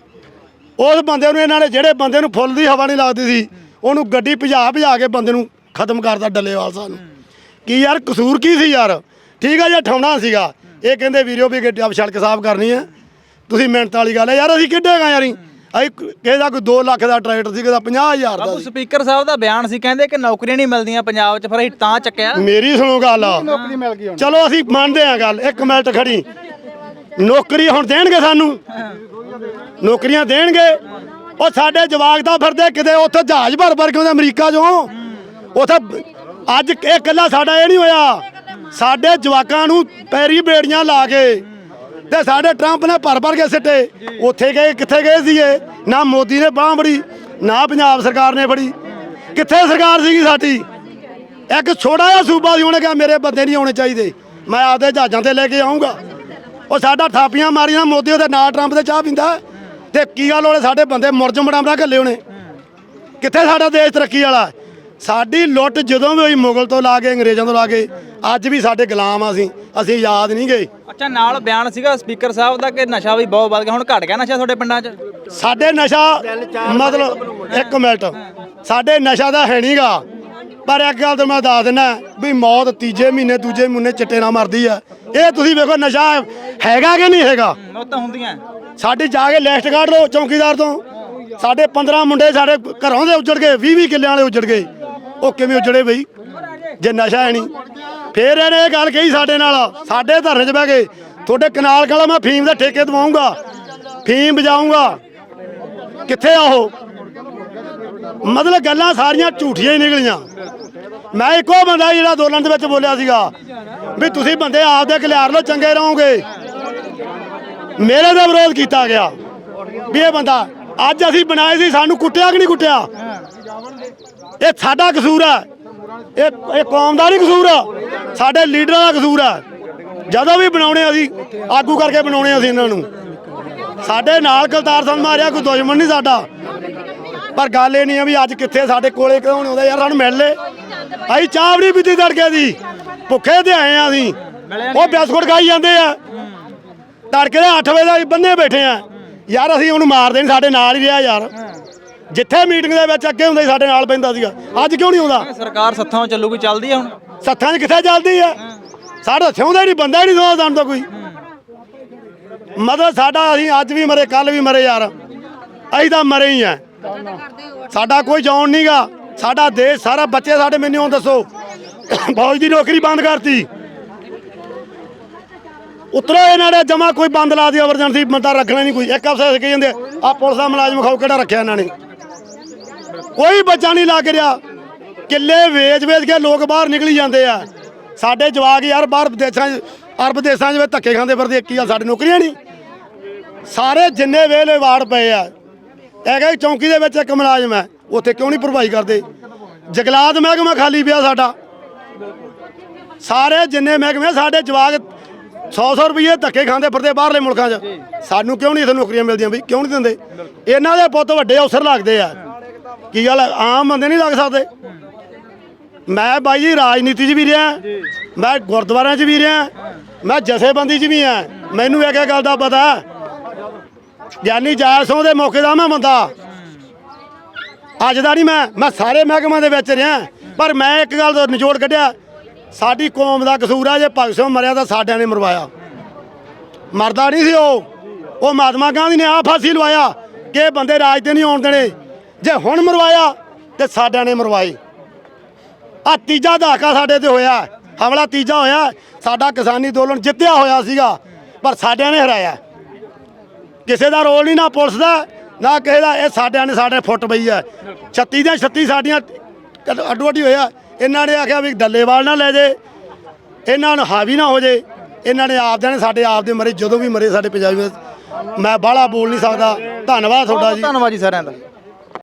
Speaker 5: ਉਸ ਬੰਦੇ ਨੂੰ ਇਹਨਾਂ ਨੇ ਜਿਹੜੇ ਬੰਦੇ ਨੂੰ ਫੁੱਲ ਦੀ ਹਵਾ ਨਹੀਂ ਲੱਗਦੀ ਸੀ ਉਹਨੂੰ ਗੱਡੀ ਭਜਾ ਕੇ ਬੰਦੇ ਨੂੰ ਖਤਮ ਕਰਤਾ ਡੱਲੇਵਾਲ ਸਾਨੂੰ ਕੀ ਯਾਰ ਕਸੂਰ ਕੀ ਸੀ ਯਾਰ ਠੀਕ ਆ ਜੀ ਠਾਉਣਾ ਸੀਗਾ ਇਹ ਕਹਿੰਦੇ ਵੀਰੋ ਵੀ ਗੱਡੀ ਸੜਕ ਸਾਫ਼ ਕਰਨੀ ਹੈ ਤੁਸੀਂ ਮਿਹਨਤ ਵਾਲੀ ਗੱਲ ਹੈ ਯਾਰ ਅਸੀਂ ਕਿੱਡੇਗਾ ਯਾਰੀ ਅਸੀਂ ਕਿਸੇ ਦਾ ਕੋਈ 2 ਲੱਖ ਦਾ ਟਰੈਕਟਰ ਸੀ ਕਿਸੇ ਦਾ 50,000 ਦਾ ਸੀ
Speaker 3: ਸਪੀਕਰ ਸਾਹਿਬ ਦਾ ਬਿਆਨ ਸੀ ਕਹਿੰਦੇ ਕਿ ਨੌਕਰੀਆਂ ਨਹੀਂ ਮਿਲਦੀਆਂ ਪੰਜਾਬ 'ਚ ਫਿਰ ਅਸੀਂ ਤਾਂ ਚੱਕਿਆ
Speaker 5: ਮੇਰੀ ਸੁਣੋ ਗੱਲ
Speaker 4: ਨੌਕਰੀ ਮਿਲ ਗਈ ਹੁਣ
Speaker 5: ਚਲੋ ਅਸੀਂ ਮੰਨਦੇ ਹਾਂ ਗੱਲ 1 ਮਿੰਟ ਖੜੀ ਨੌਕਰੀ ਹੁਣ ਦੇਣਗੇ ਸਾਨੂੰ ਨੌਕਰੀਆਂ ਦੇਣਗੇ ਉਹ ਸਾਡੇ ਜਵਾਕ ਤਾਂ ਫਿਰਦੇ ਕਿਤੇ ਉੱਥੇ ਜਹਾਜ਼ ਭਰ ਕੇ ਆਉਂਦੇ ਅਮਰੀਕਾ 'ਚੋਂ ਉੱਥੇ ਅੱਜ ਇਹ ਇਕੱਲਾ ਸਾਡਾ ਇਹ ਨਹੀਂ ਹੋਇਆ ਸਾਡੇ ਜਵਾਕਾਂ ਨੂੰ ਪੈਰੀ ਬੇੜੀਆਂ ਲਾ ਕੇ ਤੇ ਸਾਡੇ ਟਰੰਪ ਨੇ ਭਰ ਕੇ ਸਿੱਟੇ ਉੱਥੇ ਗਏ ਕਿੱਥੇ ਗਏ ਸੀਗੇ ਨਾ ਮੋਦੀ ਨੇ ਬਾਂਹ ਫੜੀ ਨਾ ਪੰਜਾਬ ਸਰਕਾਰ ਨੇ ਫੜੀ ਕਿੱਥੇ ਸਰਕਾਰ ਸੀਗੀ ਸਾਡੀ ਇੱਕ ਛੋਟਾ ਜਿਹਾ ਸੂਬਾ ਸੀ ਉਹਨੇ ਕਿਹਾ ਮੇਰੇ ਬੰਦੇ ਨਹੀਂ ਆਉਣੇ ਚਾਹੀਦੇ ਮੈਂ ਆਪਦੇ ਜਹਾਜ਼ਾਂ ਤੇ ਲੈ ਕੇ ਆਉਂਗਾ ਉਹ ਸਾਡਾ ਥਾਪੀਆਂ ਮਾਰੀਆਂ ਮੋਦੀ ਉਹਦੇ ਨਾਲ ਟਰੰਪ ਦੇ ਚਾਹ ਪੀਂਦਾ ਤੇ ਕੀ ਗੱਲ ਉਹਨੇ ਸਾਡੇ ਬੰਦੇ ਮੁਰਜਮ ਬਣਾ ਘੱਲੇ ਉਹਨੇ ਕਿੱਥੇ ਸਾਡਾ ਦੇਸ਼ ਤਰੱਕੀ ਵਾਲਾ ਸਾਡੀ ਲੁੱਟ ਜਦੋਂ ਵੀ ਹੋਈ ਮੁਗਲ ਤੋਂ ਲਾ ਕੇ ਅੰਗਰੇਜ਼ਾਂ ਤੋਂ ਲਾ ਕੇ ਅੱਜ ਵੀ ਸਾਡੇ ਗੁਲਾਮ ਆ ਅਸੀਂ ਯਾਦ ਨਹੀਂ ਗਏ
Speaker 3: ਅੱਛਾ ਨਾਲ ਬਿਆਨ ਸੀਗਾ ਸਪੀਕਰ ਸਾਹਿਬ ਦਾ ਕਿ ਨਸ਼ਾ ਵੀ ਬਹੁਤ ਵੱਧ ਗਿਆ ਹੁਣ ਘਟ ਗਿਆ ਨਸ਼ਾ ਤੁਹਾਡੇ ਪਿੰਡਾਂ 'ਚ
Speaker 5: ਸਾਡੇ ਨਸ਼ਾ ਮਤਲਬ 1 ਮਿੰਟ ਸਾਡੇ ਨਸ਼ਾ ਦਾ ਹੈ ਨਹੀਂਗਾ ਪਰ ਇੱਕ ਗੱਲ ਤਾਂ ਮੈਂ ਦੱਸ ਦਿੰਦਾ ਵੀ ਮੌਤ ਤੀਜੇ ਮਹੀਨੇ ਦੂਜੇ ਮਹੀਨੇ ਚਿੱਟੇ ਨਾਲ ਮਰਦੀ ਆ ਇਹ ਤੁਸੀਂ ਵੇਖੋ ਨਸ਼ਾ ਹੈਗਾ ਕਿ ਨਹੀਂ ਹੈਗਾ
Speaker 3: ਉਹ ਤਾਂ ਹੁੰਦੀਆਂ
Speaker 5: ਸਾਡੀ ਜਾ ਕੇ ਲਿਸਟ ਕੱਢ ਲਓ ਚੌਕੀਦਾਰ ਤੋਂ ਸਾਡੇ 15 ਮੁੰਡੇ ਸਾਡੇ ਘਰੋਂ ਦੇ ਉੱਜੜ ਗਏ 20 ਕਿੱਲਿਆਂ ਵਾਲੇ ਉੱਜੜ ਗਏ ਉਹ ਕਿਵੇਂ ਉੱਜੜੇ ਬਈ ਜੇ ਨਸ਼ਾ ਹੈ ਨਹੀਂ ਫੇਰ ਇਹਨੇ ਇਹ ਗੱਲ ਕਹੀ ਸਾਡੇ ਨਾਲ ਸਾਡੇ ਧਰਨੇ 'ਚ ਬਹਿ ਕੇ ਤੁਹਾਡੇ ਕਨਾਲ ਕਾਲਾ ਮੈਂ ਫੀਮ ਦੇ ਠੇਕੇ ਦਵਾਉਂਗਾ ਫੀਮ ਵਜਾਊਂਗਾ ਕਿੱਥੇ ਆ ਉਹ ਮਤਲਬ ਗੱਲਾਂ ਸਾਰੀਆਂ ਝੂਠੀਆਂ ਹੀ ਨਿਕਲੀਆਂ ਮੈਂ ਇੱਕੋ ਬੰਦਾ ਜਿਹੜਾ ਅੰਦੋਲਨ ਦੇ ਵਿੱਚ ਬੋਲਿਆ ਸੀਗਾ ਵੀ ਤੁਸੀਂ ਬੰਦੇ ਆਪਦੇ ਖਿਲਾਰ ਲਓ ਚੰਗੇ ਰਹੋਗੇ ਮੇਰੇ ਦਾ ਵਿਰੋਧ ਕੀਤਾ ਗਿਆ ਵੀ ਇਹ ਬੰਦਾ ਅੱਜ ਅਸੀਂ ਬਣਾਏ ਸੀ ਸਾਨੂੰ ਕੁੱਟਿਆ ਕਿ ਨਹੀਂ ਕੁੱਟਿਆ ਇਹ ਸਾਡਾ ਕਸੂਰ ਹੈ ਇਹ ਕੌਮ ਦਾ ਨਹੀਂ ਕਸੂਰ ਸਾਡੇ ਲੀਡਰਾਂ ਦਾ ਕਸੂਰ ਹੈ ਜਦੋਂ ਵੀ ਬਣਾਉਣੇ ਅਸੀਂ ਆਗੂ ਕਰਕੇ ਬਣਾਉਣੇ ਅਸੀਂ ਇਹਨਾਂ ਨੂੰ ਸਾਡੇ ਨਾਲ ਕਲਤਾਰ ਸਿੰਘ ਮਾਰਿਆ ਕੋਈ ਦੁਸ਼ਮਣ ਨਹੀਂ ਸਾਡਾ ਪਰ ਗੱਲ ਇਹ ਨਹੀਂ ਹੈ ਵੀ ਅੱਜ ਕਿੱਥੇ ਸਾਡੇ ਕੋਲੇ ਕਿਉਂ ਨਹੀਂ ਆਉਂਦਾ ਯਾਰ ਸਾਨੂੰ ਮਿਲ ਲੈ ਅਸੀਂ ਚਾਹ ਵੀ ਨਹੀਂ ਪੀਤੀ ਤੜਕੇ ਦੀ ਭੁੱਖੇ ਤੇ ਆਏ ਆ ਅਸੀਂ ਉਹ ਬਿਸਕੁਟ ਖਾਈ ਜਾਂਦੇ ਆ ਤੜਕੇ ਦੇ 8 ਵਜੇ ਦਾ ਬੰਨੇ ਬੈਠੇ ਆ ਯਾਰ ਅਸੀਂ ਉਹਨੂੰ ਮਾਰਦੇ ਨਹੀਂ ਸਾਡੇ ਨਾਲ ਹੀ ਰਿਹਾ ਯਾਰ ਜਿੱਥੇ ਮੀਟਿੰਗ ਦੇ ਵਿੱਚ ਅੱਗੇ ਹੁੰਦਾ ਸੀ ਸਾਡੇ ਨਾਲ ਪੈਂਦਾ ਸੀਗਾ ਅੱਜ ਕਿਉਂ ਨਹੀਂ ਆਉਂਦਾ
Speaker 3: ਸਰਕਾਰ ਸੱਥਾਂ ਚੱਲੂਗੀ ਚੱਲਦੀ ਆ ਹੁਣ
Speaker 5: ਸੱਥਾਂ 'ਚ ਕਿੱਥੇ ਚੱਲਦੀ ਆ ਸਾਡਾ ਸਿਉਂਦਾ ਹੀ ਨਹੀਂ ਬੰਦਾ ਹੀ ਨਹੀਂ ਸੋਚਦਾ ਸਾਨੂੰ ਕੋਈ ਮਤਲਬ ਸਾਡਾ ਅਸੀਂ ਅੱਜ ਵੀ ਮਰੇ ਕੱਲ ਵੀ ਮਰੇ ਯਾਰ ਅਸੀਂ ਤਾਂ ਮਰੇ ਹੀ ਆ ਸਾਡਾ ਕੋਈ ਜਾਣ ਨਹੀਂਗਾ ਸਾਡਾ ਦੇਸ਼ ਸਾਰਾ ਬੱਚੇ ਸਾਡੇ ਮੈਨੂੰ ਦੱਸੋ ਫੌਜ ਦੀ ਨੌਕਰੀ ਬੰਦ ਕਰਤੀ ਉਤਰੋ ਇਹਨਾਂ ਨੇ ਜਮਾ ਕੋਈ ਬੰਦ ਲਾ ਦੀ ਐਮਰਜੈਂਸੀ ਬੰਦਾ ਰੱਖਣਾ ਨਹੀਂ ਕੋਈ ਇੱਕ ਅਫਸਰ ਕਹੀ ਜਾਂਦੇ ਆ ਪੁਲਿਸ ਦਾ ਮੁਲਾਜ਼ਮ ਖਾਓ ਕਿਹੜਾ ਰੱਖਿਆ ਇਹਨਾਂ ਨੇ ਕੋਈ ਬੱਚਾ ਨਹੀਂ ਲੱਗ ਰਿਹਾ ਕਿੱਲੇ ਵੇਚ ਕੇ ਲੋਕ ਬਾਹਰ ਨਿਕਲੀ ਜਾਂਦੇ ਆ ਸਾਡੇ ਜਵਾਕ ਯਾਰ ਬਾਹਰ ਦੇਸ਼ਾਂ 'ਚ ਅਰਬ ਦੇਸ਼ਾਂ 'ਚ ਧੱਕੇ ਖਾਂਦੇ ਫਿਰਦੇ ਕੀ ਆ ਸਾਡੇ ਨੌਕਰੀਆਂ ਨਹੀਂ ਸਾਰੇ ਜਿੰਨੇ ਵੇਲੇ ਵਾਰਡ ਪਏ ਆ ਇਹ ਕਹੇ ਚੌਂਕੀ ਦੇ ਵਿੱਚ ਇੱਕ ਮੁਲਾਜ਼ਮ ਹੈ ਉੱਥੇ ਕਿਉਂ ਨਹੀਂ ਭਰਵਾਈ ਕਰਦੇ ਜੰਗਲਾਤ ਮਹਿਕਮਾ ਖਾਲੀ ਪਿਆ ਸਾਡਾ ਸਾਰੇ ਜਿੰਨੇ ਮਹਿਕਮੇ ਸਾਡੇ ਜਵਾਕ 100 ਰੁਪਏ ਧੱਕੇ ਖਾਂਦੇ ਫਿਰਦੇ ਬਾਹਰਲੇ ਮੁਲਕਾਂ 'ਚ ਸਾਨੂੰ ਕਿਉਂ ਨਹੀਂ ਇੱਥੇ ਨੌਕਰੀਆਂ ਮਿਲਦੀਆਂ ਬਈ ਕਿਉਂ ਨਹੀਂ ਦਿੰਦੇ ਇਹਨਾਂ ਦੇ ਪੁੱਤ ਵੱਡੇ ਅਫਸਰ ਲੱਗਦੇ ਆ ਕੀ ਗੱਲ ਆਮ ਬੰਦੇ ਨਹੀਂ ਲੱਗ ਸਕਦੇ ਮੈਂ ਬਾਈ ਜੀ ਰਾਜਨੀਤੀ 'ਚ ਵੀ ਰਿਹਾ ਮੈਂ ਗੁਰਦੁਆਰਿਆਂ 'ਚ ਵੀ ਰਿਹਾ ਮੈਂ ਜਥੇਬੰਦੀ 'ਚ ਵੀ ਆ ਮੈਨੂੰ ਇੱਕ ਗੱਲ ਦਾ ਪਤਾ ਗਿਆਨੀ ਜਾਲ ਸਿੰਘ ਦੇ ਮੌਕੇ ਦਾ ਮੈਂ ਬੰਦਾ ਅੱਜ ਦਾ ਨਹੀਂ ਮੈਂ ਸਾਰੇ ਮਹਿਕਮਿਆਂ ਦੇ ਵਿੱਚ ਰਿਹਾ ਪਰ ਮੈਂ ਇੱਕ ਗੱਲ ਦਾ ਨਿਚੋੜ ਕੱਢਿਆ ਸਾਡੀ ਕੌਮ ਦਾ ਕਸੂਰ ਆ ਜੇ ਭਗਤ ਸਿੰਘ ਮਰਿਆ ਤਾਂ ਸਾਡਿਆਂ ਨੇ ਮਰਵਾਇਆ ਮਰਦਾ ਨਹੀਂ ਸੀ ਉਹ ਮਹਾਤਮਾ ਗਾਂਧੀ ਨੇ ਆਪ ਫਾਂਸੀ ਲਵਾਇਆ ਕਿ ਬੰਦੇ ਰਾਜ ਤੇ ਨਹੀਂ ਆਉਣ ਦੇਣੇ ਜੇ ਹੁਣ ਮਰਵਾਇਆ ਤੇ ਸਾਡਿਆਂ ਨੇ ਮਰਵਾਏ ਆ ਤੀਜਾ ਦਹਾਕਾ ਸਾਡੇ ਤੇ ਹੋਇਆ ਹਮਲਾ ਤੀਜਾ ਹੋਇਆ ਸਾਡਾ ਕਿਸਾਨੀ ਅੰਦੋਲਨ ਜਿੱਤਿਆ ਹੋਇਆ ਸੀਗਾ ਪਰ ਸਾਡਿਆਂ ਨੇ ਹਰਾਇਆ ਕਿਸੇ ਦਾ ਰੋਲ ਨਹੀਂ ਨਾ ਪੁਲਿਸ ਦਾ ਨਾ ਕਿਸੇ ਦਾ ਇਹ ਸਾਡਿਆਂ ਨੇ ਸਾਡੇ ਫੁੱਟ ਪਈ ਹੈ 36 ਦੀਆਂ 36 ਸਾਡੀਆਂ ਅੱਡੋ ਅੱਡੀ ਹੋਇਆ ਇਹਨਾਂ ਨੇ ਆਖਿਆ ਵੀ ਡੱਲੇਵਾਲ ਨਾ ਲੈ ਜੇ ਇਹਨਾਂ ਨੂੰ ਹਾਵੀ ਨਾ ਹੋ ਜੇ ਇਹਨਾਂ ਨੇ ਆਪਦਿਆਂ ਨੇ ਸਾਡੇ ਆਪ ਦੇ ਮਰੇ ਜਦੋਂ ਵੀ ਮਰੇ ਸਾਡੇ ਪੰਜਾਬੀ ਮੈਂ ਬਾਹਲਾ ਬੋਲ ਨਹੀਂ ਸਕਦਾ ਧੰਨਵਾਦ ਤੁਹਾਡਾ ਜੀ
Speaker 3: ਧੰਨਵਾਦ ਜੀ ਸਾਰਿਆਂ ਦਾ